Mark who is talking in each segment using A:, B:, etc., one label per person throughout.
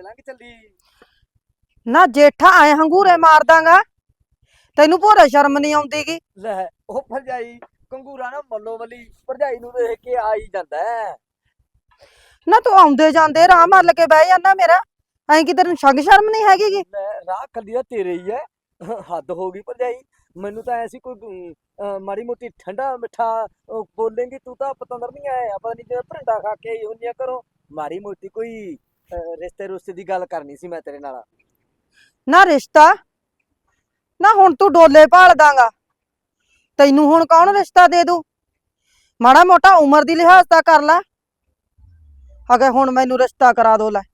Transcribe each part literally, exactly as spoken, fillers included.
A: ਲੰਘ ਚੱਲੀ।
B: ਨਾ ਜੇਠਾ ਐ ਹੰਗੂਰੇ ਮਾਰ ਦਾਂਗਾ, ਤੈਨੂੰ ਭੋਰੇ ਸ਼ਰਮ ਨਹੀਂ ਆਉਂਦੀਗੀ।
A: ਲੈ ਉਹ ਭਰਜਾਈ ਕੰਗੂਰਾ ਨਾ ਮੱਲੋ ਮੱਲੀ ਭਰਜਾਈ ਨੂੰ ਦੇਖ ਕੇ ਆ ਹੀ ਜਾਂਦਾ ਹੈ।
B: ਨਾ ਤੂੰ ਆਉਂਦੇ ਜਾਂਦੇ ਰਾਹ ਮੱਲ ਕੇ ਬਹਿ ਜਾਂਦਾ ਮੇਰਾ, ਐਂ ਕਿ ਤੈਨੂੰ ਸ਼ੰਗ ਸ਼ਰਮ ਨਹੀਂ ਹੈਗੀਗੀ।
A: ਲੈ ਰਾਹ ਕੱਲੀ ਦਾ ਤੇਰੇ ਹੀ ਹੈ। ਹੱਦ ਹੋ ਗਈ ਭਰਜਾਈ। ਮੈਨੂੰ ਤਾਂ ਐਸੀ ਕੋਈ ਅਮ, ਅਹ, ਮਾੜੀ ਮੋਟੀ ਠੰਡਾ ਮਿੱਠਾ ਅਹ, ਬੋਲੇਂਗੀ ਤੂੰ ਤਾਂ ਪਤੰਦਰ ਨਹੀਂ ਆਇਆ ਪਤਾ ਨਹੀਂ ਜਿਵੇਂ ਭਰਿੰਡਾ ਖਾ ਕੇ ਆਈ ਹੁੰਦੀਆਂ ਘਰੋਂ। ਮਾੜੀ ਮੋਟੀ ਕੋਈ ਅਹ, ਰਿਸ਼ਤੇ ਰੁਸ਼ਤੇ ਦੀ ਗੱਲ ਕਰਨੀ ਸੀ ਮੈਂ ਤੇਰੇ ਨਾਲ।
B: ਨਾ ਰਿਸ਼ਤਾ, ਨਾ ਹੁਣ ਤੂੰ ਡੋਲੇ ਭਾਲ ਦਾਂਗਾ, ਤੈਨੂੰ ਹੁਣ ਕੌਣ ਰਿਸ਼ਤਾ ਦੇ ਦੂ। ਮਾੜਾ ਮੋਟਾ ਉਮਰ ਦੀ ਲਿਹਾਜ਼ ਤਾਂ ਕਰ ਲੈ, ਅਗੇ ਹੁਣ ਮੈਨੂੰ ਰਿਸ਼ਤਾ ਕਰਾ ਦੋ। ਲੈ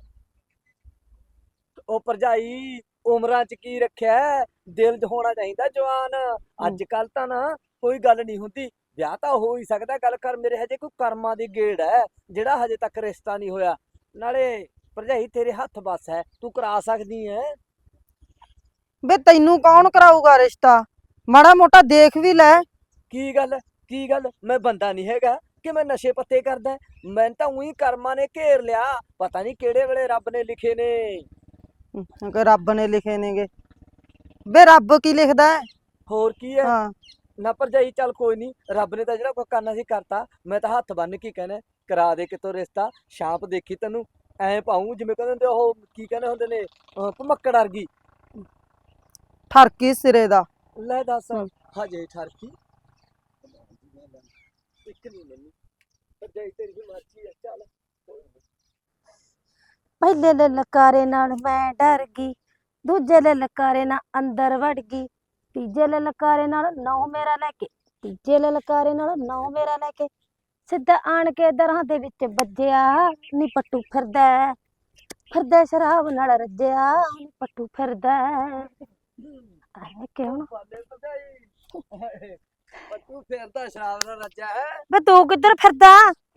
A: ਉਹ ਭਰਜਾਈ ਉਮਰਾਂ 'ਚ ਕੀ ਰੱਖਿਆ ਹੈ? ਦਿਲ 'ਚ ਹੋਣਾ ਚਾਹੀਦਾ ਜਵਾਨ। ਅੱਜ ਕੱਲ ਤਾਂ ਨਾ ਕੋਈ ਗੱਲ ਨਹੀਂ ਹੁੰਦੀ। ਵਿਆਹ ਤਾਂ ਹੋ ਹੀ ਸਕਦਾ, ਗੱਲ ਕਰ ਮੇਰੇ ਹਜੇ ਕੋਈ ਕਰਮਾਂ ਦੀ ਗੇੜ ਹੈ ਜਿਹੜਾ ਹਜੇ ਤੱਕ ਰਿਸ਼ਤਾ ਨਹੀਂ ਹੋਇਆ। ਨਾਲੇ ਭਰਜਾਈ ਤੇਰੇ ਹੱਥ ਬਸ ਹੈ, ਤੂੰ ਕਰਾ ਸਕਦੀ ਹੈ।
B: ਬੇ ਤੈਨੂੰ ਕੌਣ ਕਰਾਊਗਾ ਰਿਸ਼ਤਾ, ਮਾੜਾ ਮੋਟਾ ਦੇਖ ਵੀ ਲੈ।
A: ਕੀ ਗੱਲ ਕੀ ਗੱਲ ਮੈਂ ਬੰਦਾ ਨਹੀਂ ਹੈਗਾ ਕਿ ਮੈਂ ਨਸ਼ੇ ਪੱਤੇ ਕਰਦਾ? ਮੈਂ ਤਾਂ ਉਹੀ ਕਰਮਾਂ ਨੇ ਘੇਰ ਲਿਆ, ਪਤਾ ਨਹੀਂ ਕਿਹੜੇ ਵੇਲੇ ਰੱਬ ਨੇ ਲਿਖੇ ਨੇ।
B: ਕਿ ਰੱਬ ਨੇ ਲਿਖੇ ਨੇਗੇ, ਬੇ ਰੱਬ ਕੀ ਲਿਖਦਾ ਹੈ?
A: ਹੋਰ ਕੀ ਹੈ
B: ਹਾਂ
A: ਨਾ ਭਰਜਾਈ, ਚੱਲ ਕੋਈ ਨਹੀਂ, ਰੱਬ ਨੇ ਤਾਂ ਜਿਹੜਾ ਕੋਈ ਕਰਨਾ ਸੀ ਕਰਤਾ। ਮੈਂ ਤਾਂ ਹੱਥ ਬੰਨ ਕੇ ਕਹਿਣਾ ਕਰਾ ਦੇ ਕਿਤੋਂ ਰਿਸ਼ਤਾ। ਛਾਂਪ ਦੇਖੀ ਤੈਨੂੰ ਐ ਪਾਉਂ ਜਿਵੇਂ ਕਹਿੰਦੇ ਹੁੰਦੇ ਉਹ ਕੀ ਕਹਿੰਦੇ ਹੁੰਦੇ ਨੇ, ਅਹ ਭਮੱਕੜ ਵਰਗੀ।
B: ਠਰਕੀ ਸਿਰੇ ਦਾ।
A: ਲੈ ਦੱਸ
B: ਹਮ।
A: ਹਜੇ ਠਰਕੀ ਇੱਕ ਨਹੀਂ ਮੈਨੂੰ ਭਰਜਾਈ ਤੇਰੀ ਵੀ ਮਰਜ਼ੀ ਹੈ। ਚੱਲ ਕੋਈ ਨੀ।
C: ਪਹਿਲੇ ਲਲਕਾਰੇ ਨਾਲ ਮੈਂ ਡਰ ਗਈ, ਦੂਜੇ ਲਲਕਾਰੇ ਨਾਲ ਅੰਦਰ ਵੜ ਗਈ, ਤੀਜੇ ਲਲਕਾਰੇ ਨਾਲ ਨੌ ਮੇਰਾ ਲੈ ਕੇ, ਤੀਜੇ ਲਲਕਾਰੇ ਨਾਲ ਨੌ ਮੇਰਾ ਲੈ ਕੇ ਸਿੱਧਾ ਆਣ ਕੇ ਦਰਾਂ ਦੇ ਵਿੱਚ ਵੱਜਿਆ। ਨੀ ਪੱਟੂ ਫਿਰਦਾ ਹੈ, ਫਿਰਦਾ ਸ਼ਰਾਬ ਨਾਲ ਰੱਜਿਆ, ਨੀ ਪੱਟੂ ਫਿਰਦਾ ਹੈ। ਆਏ ਕਿਉਂ
A: ਪਾਲੇ ਭਰਜਾਈ ਪਰ ਤੂੰ ਫਿਰਦਾ ਸ਼ਰਾਬ ਨਾਲ ਰੱਜਾ ਹੈ।
C: ਵੇ ਤੂੰ ਕਿੱਧਰ ਫਿਰਦਾ?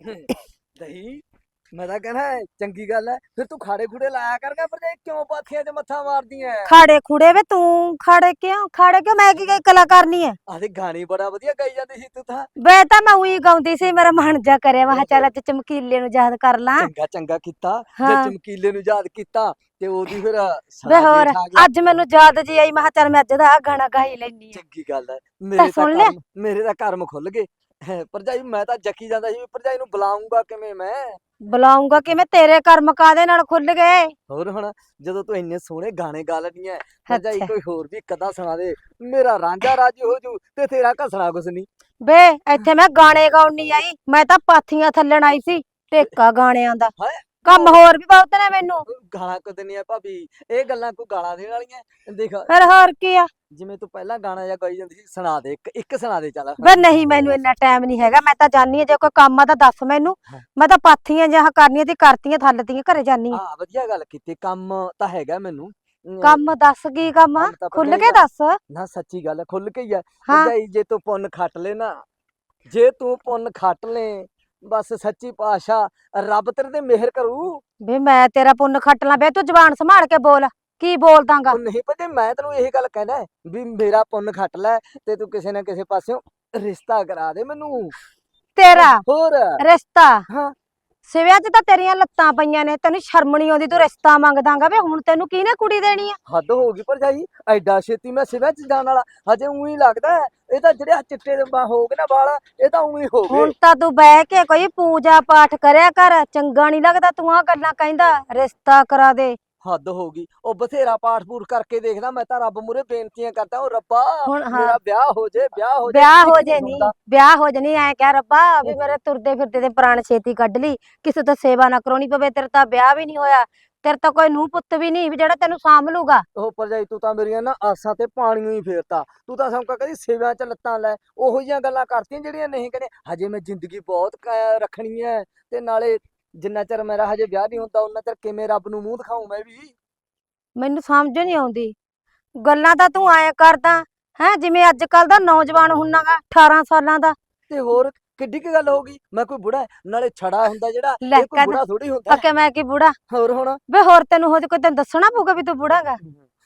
A: ਦਹੀਂ ਮੈਂ ਤਾਂ ਕਹਿਣਾ ਚੰਗੀ ਗੱਲ ਹੈ, ਫਿਰ ਤੂੰ ਖਾੜੇ ਖੂੜੇ ਲਾਇਆ ਕਰਗਾ। ਭਰਜਾਈ ਕਿਉਂ ਪਾਥੀਆਂ 'ਚ ਮੱਥਾ ਮਾਰਦੀ ਐ?
C: ਖਾੜੇ ਖੂੜੇ ਵੇ ਤੂੰ ਖਾੜੇ ਕਿਉਂ ਖਾੜੇ ਕਿਉਂ ਮੈਂ ਕੀ ਕਲਾ ਕਰਨੀ ਹੈ?
A: ਆਦੇ ਗਾਣੇ ਬੜਾ ਵਧੀਆ ਗਾਈ ਜਾਂਦੀ ਸੀ ਤੂੰ ਤਾਂ।
C: ਵੇ ਤਾਂ ਮੈਂ ਉਹੀ ਗਾਉਂਦੀ ਸੀ, ਮੇਰਾ ਮਨ ਜਾ ਕਰਿਆ, ਮੈਂ ਕਿਹਾ ਚੱਲ ਅੱਜ ਚਮਕੀਲੇ ਨੂੰ ਯਾਦ ਕਰ ਲਾਂ।
A: ਚੰਗਾ ਚੰਗਾ ਕੀਤਾ ਜੇ
C: ਹਾਂ
A: ਚਮਕੀਲੇ ਨੂੰ ਯਾਦ ਕੀਤਾ ਤੇ ਉਹਦੀ ਫਿਰ
C: ਵੇ
A: ਸਾਰਾ
C: ਹੋਰ
A: ਜੇਠ ਆ ਗਿਆ।
C: ਅੱਜ ਮੈਨੂੰ ਯਾਦ ਜੀ ਆਈ, ਮੈਂ ਕਿਹਾ ਚੱਲ ਮੈਂ ਅੱਜ ਦਾ ਆਹ ਗਾਣਾ ਗਾ ਹੀ ਲੈਣੀ ਆ।
A: ਚੰਗੀ ਗੱਲ ਹੈ, ਮੇਰੇ ਤਾਂ
C: ਸੁਣ ਲਿਆ?
A: ਕਰਮ ਮੇਰੇ ਤਾਂ ਕਰਮ ਖੁੱਲ ਗਏ। ਭਰਜਾਈ ਮੈਂ ਤਾਂ ਜੱਕੀ ਜਾਂਦਾ ਸੀ ਵੀ ਭਰਜਾਈ ਨੂੰ ਬੁਲਾਉਂਗਾ ਕਿਵੇਂ ਮੈਂ।
C: ਬੁਲਾਉਂਗਾ ਕਿਵੇਂ, ਤੇਰੇ ਕਰਮ ਕਾਦੇ ਨਾਲ ਖੁੱਲ ਗਏ?
A: ਹੋਰ ਹੁਣ ਜਦੋਂ ਤੂੰ ਇੰਨੇ ਸੋਹਣੇ ਗਾਣੇ ਗਾ ਲੈਣੀ ਐ, ਭਰਜਾਈ
C: ਅੱਛਾ
A: ਕੋਈ ਹੋਰ ਵੀ ਕਦਾ ਸੁਣਾ ਦੇ, ਮੇਰਾ ਰਾਂਝਾ ਰਾਜੀ ਹੋ ਜੂ ਤੇ ਤੇਰਾ ਘਸਣਾ ਕੁਛ ਨਹੀਂ।
C: ਵੇ ਇੱਥੇ ਮੈਂ ਗਾਣੇ ਗਾਉਣ ਨਹੀਂ ਆਈ, ਮੈਂ ਤਾਂ ਪਾਥੀਆਂ ਥੱਲਣ ਆਈ ਸੀ ਟੇਕਾ ਗਾਣਿਆਂ ਦਾ।
A: ਹਾਏ
C: ਕੰਮ ਹੋਰ ਵੀ ਬਹੁਤ ਨੇ ਮੈਨੂੰ।
A: ਗਾਲਾਂ ਕਦੇ ਨਹੀਂ ਆ ਭਾਬੀ, ਇਹ ਗੱਲਾਂ ਕੋਈ ਗਾਲਾਂ ਦੇਣ ਵਾਲੀਆਂ? ਦੇਖ
C: ਫਿਰ ਹੋਰ ਕੀ ਆ?
A: ਜਿਵੇਂ ਤੂੰ ਪਹਿਲਾਂ ਗਾਣਾ ਜਾਂ ਗਾਈ ਜਾਂਦੀ ਸੀ, ਸੁਣਾ ਦੇ ਇੱਕ ਇੱਕ ਸੁਣਾ ਦੇ ਚੱਲ।
C: ਵੇ ਨਹੀਂ ਮੈਨੂੰ ਇੰਨਾ ਟਾਈਮ ਨਹੀਂ ਹੈਗਾ, ਮੈਂ ਤਾਂ ਜਾਨੀ ਆ, ਜੇ ਕੋਈ ਕੰਮ ਆ ਤਾਂ ਦੱਸ ਮੈਨੂੰ।
A: ਹਾਂ।
C: ਮੈਂ ਤਾਂ ਪਾਥੀਆਂ ਜਿਹਾ ਕਰਨੀਆਂ ਤੇ ਕਰਤੀਆਂ ਥੱਲਦੀਆਂ, ਘਰੇ ਜਾਨੀ ਆ।
A: ਹਾਂ ਵਧੀਆ ਗੱਲ ਕੀਤੀ, ਕੰਮ ਤਾਂ ਹੈਗਾ ਮੈਨੂੰ। ਅਮ,
C: ਕੰਮ ਦੱਸ ਕੀ ਕੰਮ ਆ,
A: ਕੰਮ ਤਾਂ
C: ਖੁੱਲ
A: ਭਰਜਾਈ
C: ਕੇ
A: ਦਾ-
C: ਦੱਸ।
A: ਨਾ ਸੱਚੀ ਗੱਲ ਹੈ, ਖੁੱਲ ਕੇ ਹੀ ਆ
C: ਹਾਂ
A: ਭਰਜਾਈ। ਜੇ ਤੂੰ ਪੁੰਨ ਖੱਟ ਲੈ ਨਾ, ਜੇ ਤੂੰ ਪੁੰਨ ਖੱਟ ਲੈ, ਬਸ ਸੱਚੀ ਪਾਤਸ਼ਾਹ ਰੱਬ ਤੇਰੇ ਤੇ ਮਿਹਰ ਕਰੂ।
C: ਵੇ ਮੈਂ ਤੇਰਾ ਪੁੰਨ ਖੱਟ ਲਾਂ, ਵੇ ਤੂੰ ਜ਼ਬਾਨ ਸੰਭਾਲ ਕੇ ਬੋਲ, ਕੀ ਬੋਲਦਾਂਗਾ?
A: ਉਹ ਨਹੀਂ ਭਰਜਾਈ, ਮੈਂ ਤੈਨੂੰ ਇਹ ਗੱਲ ਕਹਿਣਾ ਵੀ ਮੇਰਾ ਪੁੰਨ ਖੱਟ ਲੈ ਤੇ ਤੂੰ ਕਿਸੇ ਨਾ ਕਿਸੇ ਪਾਸਿਓਂ ਰਿਸ਼ਤਾ ਕਰਾ ਦੇ ਮੈਨੂੰ।
C: ਤੇਰਾ
A: ਹੋਰ
C: ਰਿਸ਼ਤਾ
A: ਹਾਂ
C: ਸਿਵਿਆਂ 'ਚ ਤਾਂ ਤੇਰੀਆਂ ਲੱਤਾਂ ਪਈਆਂ ਨੇ, ਤੈਨੂੰ ਸ਼ਰਮ ਨੀ ਆਉਂਦੀ, ਤੂੰ ਰਿਸ਼ਤਾ ਮੰਗਦਾਂਗਾ। ਵੇ ਹੁਣ ਤੈਨੂੰ ਕਿਹਨੇ ਕੁੜੀ ਦੇਣੀ ਆ?
A: ਹੱਦ ਹੋ ਗਈ ਭਰਜਾਈ, ਐਡਾ ਛੇਤੀ ਮੈਂ ਸਿਵਿਆਂ 'ਚ ਜਾਣ ਵਾਲਾ? ਹਜੇ ਉਹੀ ਲੱਗਦਾ ਹੈ, ਇਹ ਤਾਂ ਜਿਹੜੇ ਆਹ ਚਿੱਟੇ ਦੇ ਬਾ- ਹੋ ਗਏ ਨਾ ਵਾਲ, ਇਹ ਤਾਂ ਉਹੀ ਹੋ ਗਏ।
C: ਹੁਣ ਤਾਂ ਤੂੰ ਬਹਿ ਕੇ ਕੋਈ ਪੂਜਾ ਪਾਠ ਕਰਿਆ ਕਰ, ਚੰਗਾ ਨਹੀਂ ਲੱਗਦਾ ਤੂੰ ਆ ਗੱਲਾਂ ਕਹਿੰਦਾ ਰਿਸ਼ਤਾ ਕਰਾ ਦੇ।
A: ਹੱਦ ਹੋ ਗਈ, ਉਹ ਬਥੇਰਾ ਪਾਠ ਪੂਠ ਕਰਕੇ ਦੇਖਦਾ ਮੈਂ ਤਾਂ, ਰੱਬ ਮੂਰੇ ਬੇਨਤੀਆਂ ਕਰਦਾ, ਉਹ ਰੱਬਾ
C: ਹੁਣ ਹਾਂ
A: ਮੇਰਾ ਵਿਆਹ ਹੋ ਜੇ, ਵਿਆਹ ਹੋ ਜੇ।
C: ਵਿਆਹ ਹੋ
A: ਇੱਕ
C: ਜੇ
A: ਨੀ
C: ਨੀ,
A: ਸੁਣਦਾ।
C: ਵਿਆਹ ਹੋ ਜੇ ਨੀ, ਐ ਕਹਿ ਰੱਬਾ ਵੀ ਮੇਰੇ ਤੁਰਦੇ ਫਿਰਦੇ ਦੇ ਪ੍ਰਾਣ ਛੇਤੀ ਕੱਢ ਲਈ, ਕਿਸੇ ਤੋਂ ਸੇਵਾ ਨਾ ਕਰਾਉਣੀ ਪਵੇ। ਤੇਰੇ ਤਾਂ ਵਿਆਹ ਵੀ ਨਹੀਂ ਹੋਇਆ, ਤੇਰੇ ਤਾਂ ਕੋਈ ਨੂੰਹ ਪੁੱਤ ਵੀ ਨਹੀਂ ਵੀ ਜਿਹੜਾ ਤੈਨੂੰ ਸਾਂਭ ਲੂਗਾ।
A: ਉਹ ਭਰਜਾਈ ਤੂੰ ਤਾਂ ਮੇਰੀਆਂ ਨਾ ਆਸਾਂ ਤੇ ਪਾਣੀਆਂ ਹੀ ਫੇਰਤਾ। ਤੂੰ ਤਾਂ ਸੌਂਕਾ ਕਦੀ ਸੇਵਿਆਂ 'ਚ ਲੱਤਾਂ ਲੈ, ਉਹੋ ਜਿਹੀਆਂ ਗੱਲਾਂ ਕਰਤੀਆਂ ਜਿਹੜੀਆਂ ਨਹੀਂ ਕਹਿੰਦੇ। ਹਜੇ ਮੈਂ ਜ਼ਿੰਦਗੀ ਬਹੁਤ ਕ- ਰੱਖਣੀ ਹੈ, ਤੇ ਨਾਲੇ ਜਿੰਨਾ ਚਿਰ ਮੇਰਾ ਹਜੇ ਵਿਆਹ ਨਹੀਂ ਹੁੰਦਾ ਉਹਨਾਂ ਚਿਰ ਕਿਵੇਂ ਰੱਬ ਨੂੰ ਮੂੰਹ ਦਿਖਾਊਂ ਮੈਂ ਵੀ।
C: ਮੈਨੂੰ ਸਮਝ ਨਹੀਂ ਆਉਂਦੀ, ਗੱਲਾਂ ਤਾਂ ਤੂੰ ਐਂ ਕਰਦਾ ਹੈ ਜਿਵੇਂ ਅੱਜ ਕੱਲ ਦਾ ਨੌਜਵਾਨ ਹੁੰਨਾਗਾ ਅਠਾਰਾਂ ਸਾਲਾਂ ਦਾ।
A: ਤੇ ਹੋਰ ਕਿੱਡੀ ਕੀ ਗੱਲ ਹੋ ਗਈ, ਮੈਂ ਕੋਈ ਬੁੜਾ ਹੈ? ਨਾਲੇ ਛੜਾ ਹੁੰਦਾ ਜਿਹੜਾ,
C: ਲੈ
A: ਇਹ ਕੋਈ
C: ਕਹਿ
A: ਬੁੜਾ ਥੋੜੀ ਹੁੰਦਾ।
C: ਅਕੇ ਮੈਂ ਕੀ ਬੁੜਾ?
A: ਹੋਰ ਹੁਣ
C: ਵੇ ਹੋਰ ਤੈਨੂੰ ਹੋ ਕੋਈ ਤੈਨੂੰ ਦੱਸਣਾ ਪਊਗਾ ਵੀ ਤੂੰ ਬੁੜਾਗਾ?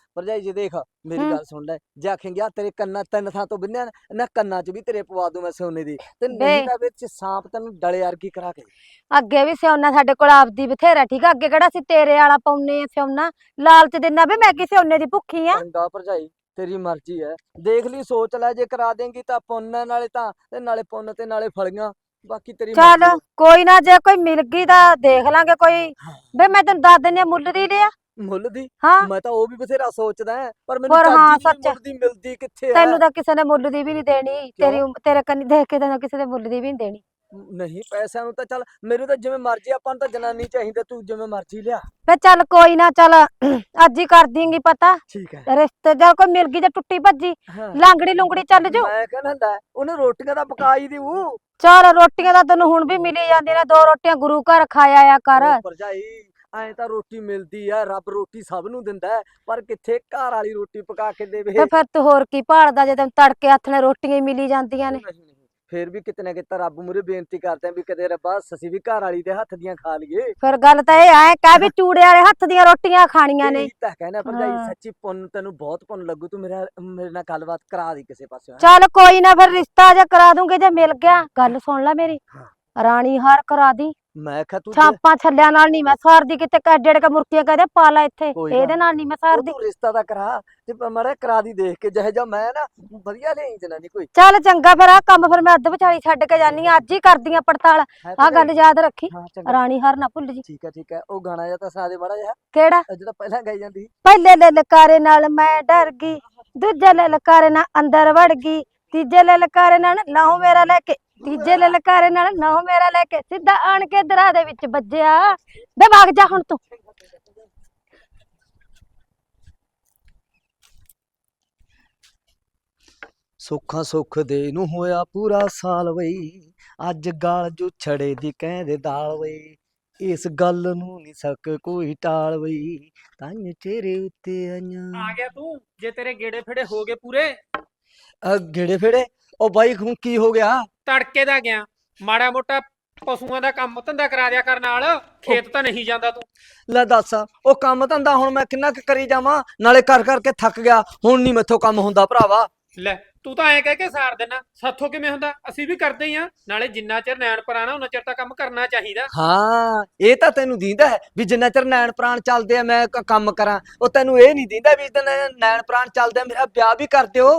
A: ਭਰਜਾਈ ਜੀ ਦੇਖ ਮੇਰੀ
C: ਹੂੰ।
A: ਗੱਲ ਸੁਣ ਲੈ ਜੇ ਆਖੇਂਗੇ ਆ ਤੇਰੇ ਕੰਨਾਂ ਤਿੰਨ ਥਾਂ ਤੋਂ ਬਿੰਨਿਆ ਨਾ, ਨਾ ਕੰਨਾਂ 'ਚ ਵੀ ਤੇਰੇ ਪਵਾ ਦੂੰ ਮੈਂ ਸੋਨੇ ਦੀ ਤੇ
C: ਬੇ।
A: ਨਹੀਂ ਤਾਂ ਵਿੱਚ ਸਾਂਪ ਤੈਨੂੰ ਡਲੇ ਵਰਗੀ ਕਰਾ ਕੇ
C: ਅੱਗੇ ਵੀ ਸਿਉਨਾ ਸਾਡੇ ਕੋਲ ਆਪਦੀ ਬਥੇਰਾ ਠੀਕ ਆ, ਅੱਗੇ ਕਿਹੜਾ ਸੀ ਤੇਰੇ ਵਾਲਾ ਪਾਉਨੇ ਆ ਸਿਉਨਾ, ਲਾਲਚ ਦਿਨਾ ਵੀ ਮੈਂ ਕੀ ਸਿਉਨੇ ਦੀ ਭੁੱਖੀ ਆ।
A: ਚੰਗਾ ਭਰਜਾਈ ਤੇਰੀ ਮਰਜ਼ੀ ਹੈ ਦੇਖ ਲਈ ਸੋਚ ਲੈ ਜੇ ਕਰਾ ਦੇਂਗੀ ਤਾਂ ਪੁੰਨ ਹੈ, ਨਾਲੇ ਤਾਂ ਤੇ ਨਾਲੇ ਪੁੰਨ ਤੇ ਨਾਲੇ ਫਲੀਆਂ ਬਾਕੀ ਤੇਰੀ
C: ਚੱਲ
A: ਮਰਜ਼ੀ ਹੈ।
C: ਕੋਈ ਨਾ, ਜੇ ਕੋਈ ਮਿਲ ਗਈ ਤਾਂ ਦੇਖ ਲਾਂਗੇ ਕੋਈ। ਬੇ ਮੈਂ ਤੈਨੂੰ ਦੱਸ ਦਿੰਨੀ ਆ, ਮੁੱਲ ਦੀ ਲਿਆ।
A: ਮੁੱਲ ਦੀ
C: ਹਾਂ
A: ਮੈਂ ਤਾਂ ਉਹ ਵੀ ਬਥੇਰਾ ਸੋਚਦਾ ਹੈ, ਪਰ ਮੈਨੂੰ
C: ਪਰ ਹਾਂ
A: ਚੱਜ ਦੀ
C: ਸੱਚ,
A: ਮੁੱਲ ਦੀ ਮਿਲਦੀ ਕਿੱਥੇ ਹੈ
C: ਤੈਨੂੰ ਤਾਂ ਕਿਸੇ ਨੇ ਮੁੱਲ ਦੀ ਵੀ ਨਹੀਂ ਦੇਣੀ, ਤੇਰੀ ਉਮ- ਤੇਰੇ ਕੰਨੀ ਦੇਖ ਕੇ ਤੈਨੂੰ ਕਿਸੇ ਦੇ ਮੁੱਲ ਦੀ ਵੀ ਨਹੀਂ ਦੇਣੀ।
A: ਨਹੀਂ ਪੈਸਿਆਂ ਨੂੰ ਤਾਂ ਚੱਲ ਮੈਨੂੰ ਤਾਂ ਜਿਵੇਂ ਮਰਜ਼ੀ ਆਪਾਂ ਨੂੰ ਤਾਂ ਜਨਾਨੀ ਚਾਹੀਦਾ ਤੂੰ ਜਿਵੇਂ ਮਰਜ਼ੀ ਲਿਆ
C: ਫੇ ਚੱਲ ਕੋਈ ਨਾ, ਚੱਲ ਅੱਜ ਹੀ ਕਰ ਦੇਂਗੀ ਪਤਾ
A: ਠੀਕ ਹੈ
C: ਰਿਸ਼ਤੇ ਜਾਂ ਕੋਈ ਮਿਲ ਗਈ ਤੇ ਟੁੱਟੀ ਭੱਜੀ
A: ਹਾਂ
C: ਲਾਂਗੜੀ ਲੁੰਗੜੀ ਚੱਲ ਜੂ।
A: ਮੈਂ ਕਹਿੰਦਾ ਹੁੰਦਾ ਉਹਨੇ ਰੋਟੀਆਂ ਦਾ ਪਕਾ ਹੀ ਦੇਊ
C: ਚੱਲ ਰੋਟੀਆਂ ਤਾਂ ਤੈਨੂੰ ਹੁਣ ਵੀ ਮਿਲੀ ਜਾਂਦੀਆਂ ਨੇ, ਦੋ ਰੋਟੀਆਂ ਗੁਰੂ ਘਰ ਖਾਇਆ ਆ ਕਰ।
A: ਉਹ ਭਰਜਾਈ ਐਂ ਤਾਂ ਰੋਟੀ ਮਿਲਦੀ ਆ, ਰੱਬ ਰੋਟੀ ਸਭ ਨੂੰ ਦਿੰਦਾ ਹੈ, ਪਰ ਕਿੱਥੇ ਘਰ ਵਾਲੀ ਰੋਟੀ ਪਕਾ ਕੇ ਦੇਵੇ
C: ਤੇ ਫਿਰ ਤੂੰ ਹੋਰ ਕੀ ਭਾਲਦਾ ਜੇ ਤੈਨੂੰ ਤੜਕੇ ਹੱਥ ਨਾਲ ਰੋਟੀਆਂ ਹੀ ਮਿਲੀ ਜਾਂਦੀਆਂ ਨੇ।
A: ਨਹੀਂ ਨਹੀਂ ਫੇਰ ਵੀ ਕਿਤੇ ਨਾ ਕਿਤੇ ਰੱਬ ਮੂਰੇ ਬੇਨਤੀ ਕਰਦੇ ਆ ਵੀ ਕਦੇ ਰੱਬਾ ਅਸੀਂ ਵੀ ਘਰ ਵਾਲੀ ਦੇ ਹੱਥ ਦੀਆਂ ਖਾ ਲਈਏ
C: ਫਿਰ ਗੱਲ ਤਾਂ ਇਹ ਐ ਕਹਿ ਵੀ ਚੂੜੇ ਵਾਲੇ ਹੱਥ ਦੀਆਂ ਰੋਟੀਆਂ ਖਾਣੀਆਂ ਨੇ।
A: ਇਹੀ ਤਾਂ ਕਹਿਣਾ ਭਰਜਾਈ
C: ਹਾਂ।
A: ਸੱਚੀ ਪੁੰਨ ਤੈਨੂੰ ਬਹੁਤ ਪੁੰਨ ਲੱਗੂ ਤੂੰ ਮੇਰਾ ਮੇਰੇ ਨਾਲ ਗੱਲਬਾਤ ਕਰਾ ਦੀ ਕਿਸੇ ਪਾਸੇ
C: ਚੱਲ ਕੋਈ ਨਾ, ਫਿਰ ਰਿਸ਼ਤਾ ਜੇ ਕਰਾ ਦੂੰਗੇ ਜੇ ਮਿਲ ਗਿਆ। ਗੱਲ ਸੁਣ ਲੈ ਮੇਰੀ,
A: ਹਾਂ।
C: ਰਾਣੀ ਹਾਰ ਕਰਾ ਦੀ।
A: ਮੈਂ ਕਿਹਾ ਤੂੰ ਜੇ-
C: ਛਾਪਾਂ ਛੱਲਿਆਂ ਨਾਲ ਨਹੀਂ ਮੈਂ ਸਾਰਦੀ, ਕਿਤੇ ਕੱਡੜ ਕੇ ਮੁਰਕੀਆਂ ਕਹਦੇ ਪਾ ਲੈ ਇੱਥੇ,
A: ਕੋਈ ਗੱਲ
C: ਇਹਦੇ ਨਾਲ ਨਹੀਂ ਮੈਂ
A: ਉਹ
C: ਸਾਰਦੀ।
A: ਤੂੰ ਰਿਸ਼ਤਾ ਤਾਂ ਕਰਾ ਤੇ ਮੜਾ ਕਰਾ ਦੀ ਦੇਖ ਕੇ ਜਿਹੇ ਜਾ ਮੈਂ ਨਾ ਵਧੀਆ ਲਿਆਈ ਜਨਾਨੀ ਕੋਈ
C: ਚੱਲ ਚੰਗਾ, ਫਿਰ ਆ ਕੰਮ ਫਿਰ ਮੈਂ ਅੱਧ ਵਿਚਾਲੀ ਛੱਡ ਕੇ ਜਾਨੀ ਆ, ਅੱਜ ਹੀ ਕਰਦੀ ਆ ਪੜਤਾਲ।
A: ਹੈ
C: ਆ
A: ਭਰਜਾਈ?
C: ਗੱਲ ਯਾਦ ਰੱਖੀ,
A: ਹਾਂ ਚੰਗਾ
C: ਰਾਣੀ ਹਾਰ ਨਾ ਭੁੱਲ ਜੀ।
A: ਠੀਕ ਹੈ ਠੀਕ ਹੈ ਉਹ ਗਾਣਾ ਜਿਹਾ ਤਾਂ ਸੁਣਾ ਦੇ ਮਾੜਾ ਜਿਹਾ
C: ਕਿਹੜਾ?
A: ਉਹ ਜਿਹੜਾ ਪਹਿਲਾਂ ਗਾਈ ਜਾਂਦੀ ਸੀ।
C: ਪਹਿਲੇ ਲਲਕਾਰੇ ਨਾਲ ਮੈਂ ਡਰ ਗਈ, ਦੂਜੇ ਲਲਕਾਰੇ ਨਾਲ ਅੰਦਰ ਵੜ ਗਈ, ਤੀਜੇ ਲਲਕਾਰੇ ਨਾਲ ਲਾਉ ਮੇਰਾ ਲੈ ਕੇ, ਤੀਜੇ ਲਲਕਾਰੇ ਨਾਲ ਨਾਉ ਮੇਰਾ ਲੈ ਕੇ ਸਿੱਧਾ ਆਣ ਕੇ ਦਰਾ ਦੇ ਵਿੱਚ ਵੱਜਿਆ। ਬੇ ਵਗ ਜਾ ਹੁਣ ਤੂੰ।
A: ਸੁੱਖਾਂ ਸੁੱਖ ਦੇ ਨੂੰ ਹੋਇਆ ਪੂਰਾ ਸਾਲ ਵਈ ਅੱਜ ਗਾਲ ਜੋ ਛੜੇ ਦੀ ਕਹਿੰਦੇ ਦਾਲ ਵਈ ਇਸ ਗੱਲ ਨੂੰ ਨਹੀਂ ਸਕ ਕੋਈ ਟਾਲ ਵਈ ਤਾਂ ਚਿਹਰੇ ਉੱਤੇ ਆਈਆਂ
D: ਆ ਗਿਆ ਤੂੰ, ਜੇ ਤੇਰੇ ਗੇੜੇ ਫੇੜੇ ਹੋ ਗਏ ਪੂਰੇ।
A: ਅ, ਗੇੜੇ ਫੇੜੇ ਉਹ ਬਾਈ ਹੁਣ ਕੀ ਹੋ ਗਿਆ
D: ਤੜਕੇ ਦਾ ਗਿਆ, ਮਾੜਾ ਮੋਟਾ ਪਸ਼ੂਆਂ ਦਾ ਕੰਮ ਧੰਦਾ ਕਰਾ ਦਿਆ ਕਰ ਨਾਲ, ਖੇਤ ਤਾਂ ਨਹੀਂ ਜਾਂਦਾ ਤੂੰ।
A: ਲੈ ਦੱਸ ਉਹ ਕੰਮ ਧੰਦਾ ਹੁਣ ਮੈਂ ਕਿੰਨਾ ਕੁ ਕਰੀ ਜਾਵਾਂ ਨਾਲੇ ਕਰ ਕਰਕੇ ਥੱਕ ਗਿਆ ਹੁਣ ਨਹੀਂ ਮੈਥੋਂ ਕੰਮ ਹੁੰਦਾ ਭਰਾਵਾ
D: ਲੈ ਤੂੰ ਤਾਂ ਐਂ ਕਹਿ ਕੇ ਸਾਰ ਦੇਣਾ, ਸਾਥੋਂ ਕਿਵੇਂ ਹੁੰਦਾ, ਅਸੀਂ ਵੀ ਕਰਦੇ ਹੀ ਆ ਨਾਲੇ। ਜਿੰਨਾ ਚਿਰ ਨੈਣ ਪਰਾਣਾ ਉਹਨਾਂ ਚਿਰ ਤਾਂ ਕੰਮ ਕਰਨਾ ਚਾਹੀਦਾ।
A: ਹਾਂ ਇਹ ਤਾਂ ਤੈਨੂੰ ਦੀਂਦਾ ਹੈ ਵੀ ਜਿੰਨਾ ਚਿਰ ਨੈਣ ਪ੍ਰਾਣ ਚੱਲਦੇ ਆ ਮੈਂ ਕ- ਕੰਮ ਕਰਾਂ ਉਹ ਤੈਨੂੰ ਇਹ ਨਹੀਂ ਦੀਂਦਾ ਵੀ ਜਿੰਨਾ ਨੈਣ ਪ੍ਰਾਣ ਚੱਲਦੇ ਆ ਮੇਰਾ ਵਿਆਹ ਵੀ ਕਰ ਦਿਓ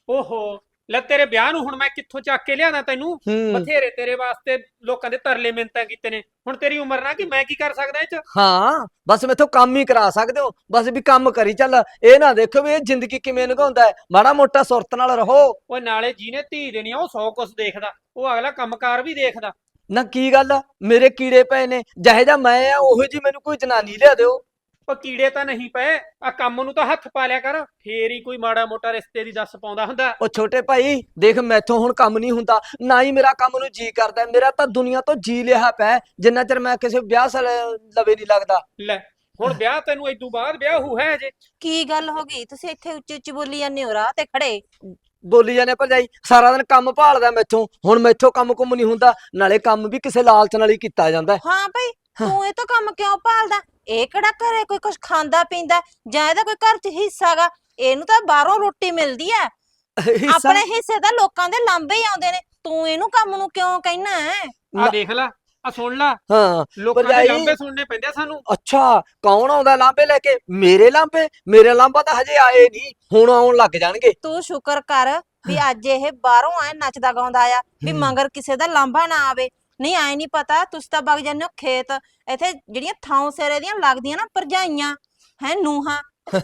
D: ਓਹੋ ਲੈ ਤੇਰੇ ਵਿਆਹ ਨੂੰ ਹੁਣ ਮੈਂ ਕਿੱਥੋਂ ਚੱਕ ਕੇ ਲਿਆਣਾ ਤੈਨੂੰ?
A: ਹੂੰ
D: ਬਥੇਰੇ ਤੇਰੇ ਵਾਸਤੇ ਲੋਕਾਂ ਦੇ ਤਰਲੇ ਮਿੰਨਤਾਂ ਕੀਤੇ ਨੇ, ਹੁਣ ਤੇਰੀ ਉਮਰ ਨਾ ਕਿ ਮੈਂ ਕੀ ਕਰ ਸਕਦਾ ਇਹ ਚ।
A: ਹਾਂ ਬਸ ਮੈਥੋਂ ਕੰਮ ਹੀ ਕਰਾ ਸਕਦੇ ਹੋ ਬਸ ਵੀ ਕੰਮ ਕਰੀ ਚੱਲ ਇਹ ਨਾ ਦੇਖੋ ਵੀ ਇਹ ਜ਼ਿੰਦਗੀ ਕਿਵੇਂ ਲੰਘਾਉਂਦਾ ਹੈ ਮਾੜਾ ਮੋਟਾ ਸੁਰਤ ਨਾਲ ਰਹੋ
D: ਉਹ ਨਾਲੇ ਜਿਹਨੇ ਧੀ ਦੇਣੀ ਆ ਉਹ ਸੌ ਕੁਛ ਦੇਖਦਾ, ਉਹ ਅਗਲਾ ਕੰਮਕਾਰ ਵੀ ਦੇਖਦਾ।
A: ਨਾ ਕੀ ਗੱਲ ਆ, ਮੇਰੇ ਕੀੜੇ ਪਏ ਨੇ ਜਿਹੇ ਜਾ ਮੈਂ ਆ ਉਹੋ ਜੀ ਮੈਨੂੰ ਕੋਈ ਜਨਾਨੀ ਲਿਆ ਦਿਓ
D: ਉਹ ਕੀੜੇ ਤਾਂ ਨਹੀਂ ਪਏ, ਆ ਕੰਮ ਨੂੰ ਤਾਂ ਹੱਥ ਪਾ ਲਿਆ ਕਰ, ਫੇਰ ਹੀ ਕੋਈ ਮਾੜਾ ਮੋਟਾ ਰਿਸ਼ਤੇ ਦੀ ਦੱਸ ਪਾਉਂਦਾ ਹੁੰਦਾ।
A: ਉਹ ਛੋਟੇ ਭਾਈ ਦੇਖ ਮੈਥੋਂ ਹੁਣ ਕੰਮ ਨਹੀਂ ਹੁੰਦਾ ਨਾ ਹੀ ਮੇਰਾ ਕੰਮ ਨੂੰ ਜੀ ਕਰਦਾ ਮੇਰਾ ਤਾਂ ਦੁਨੀਆ ਤੋਂ ਜੀ ਲਿਆ ਪਿਆ ਜਿੰਨਾ ਚਿਰ ਮੈਂ ਕਿਸੇ ਵਿਆਹ ਸਾਲ ਲਵੇ ਨਹੀਂ ਲੱਗਦਾ
D: ਲੈ ਹੁਣ ਵਿਆਹ ਤੈਨੂੰ ਇਦੋਂ ਬਾਅਦ ਵਿਆਹ ਹੋ ਹੈ ਅਜੇ।
E: ਕੀ ਗੱਲ ਹੋ ਗਈ? ਤੁਸੀਂ ਇੱਥੇ ਉੱਚੀ ਉੱਚੀ ਬੋਲੀ ਜਾਂਦੇ ਹੋ ਰਾਹ ਤੇ ਖੜੇ।
A: ਬੋਲੀ ਜਾਂਦੇ ਭਰਜਾਈ ਸਾਰਾ ਦਿਨ ਕੰਮ ਭਾਲਦਾ ਮੈਥੋਂ ਹੁਣ ਮੈਥੋਂ ਕੰਮ ਕੁੰਮ ਨਹੀਂ ਹੁੰਦਾ ਨਾਲੇ ਕੰਮ ਵੀ ਕਿਸੇ ਲਾਲਚ ਨਾਲ ਹੀ ਕੀਤਾ ਜਾਂਦਾ ਹੈ।
E: ਹਾਂ ਭਾਈ, ਤੂੰ ਇਹ ਤਾਂ ਕੰਮ ਕਿਉਂ ਭਾਲਦਾ? ਇਹ ਕਿਹੜਾ ਘਰੇ ਕੋਈ ਕੁਝ ਖਾਂਦਾ ਪੀਂਦਾ ਜਾਂ ਇਹਦਾ ਕੋਈ ਘਰ 'ਚ ਹਿੱਸਾਗਾ? ਇਹਨੂੰ ਤਾਂ ਬਾਹਰੋਂ ਰੋਟੀ ਮਿਲਦੀ ਆ,
A: ਹਿੱਸਾ
E: ਆਪਣੇ ਹਿੱਸੇ ਤਾਂ ਲੋਕਾਂ ਦੇ ਲਾਂਭੇ ਹੀ ਆਉਂਦੇ ਨੇ। ਤੂੰ ਇਹਨੂੰ ਕੰਮ ਨੂੰ ਕਿਉਂ ਕਹਿਣਾ ਹੈ?
D: ਆ ਦੇਖ ਲੈ, ਆ ਸੁਣ ਲੈ,
A: ਹਾਂ
D: ਲੋਕਾਂ ਦੇ
A: ਭਰਜਾਈ-
D: ਲਾਂਭੇ ਸੁਣਨੇ ਪੈਂਦੇ ਆ ਸਾਨੂੰ।
A: ਅੱਛਾ ਕੌਣ ਆਉਂਦਾ ਲਾਂਬੇ ਲੈ ਕੇ ਮੇਰੇ ਲਾਂਬੇ ਮੇਰੇ ਲਾਂਬਾ ਤਾਂ ਹਜੇ ਆਏ ਨਹੀਂ ਹੁਣ ਆਉਣ ਲੱਗ ਜਾਣਗੇ
E: ਤੂੰ ਸ਼ੁਕਰ ਕਰ ਵੀ ਅੱਜ ਇਹ ਬਾਹਰੋਂ ਆਇਆ ਨੱਚਦਾ ਗਾਉਂਦਾ ਆ, ਵੀ
A: ਹੂੰ।
E: ਮਗਰ ਕਿਸੇ ਦਾ ਲਾਂਭਾ ਨਾ ਆਵੇ। ਨਹੀਂ ਆਏ ਨਹੀਂ ਪਤਾ, ਤੁਸੀਂ ਤਾਂ ਵਗ ਜਾਂਦੇ ਹੋ ਖੇਤ। ਇੱਥੇ ਜਿਹੜੀਆਂ ਥਾਂ ਸਿਰੇ ਦੀਆਂ ਲੱਗਦੀਆਂ ਨਾ ਭਰਜਾਈਆਂ ਹੈ ਨੂਹਾਂ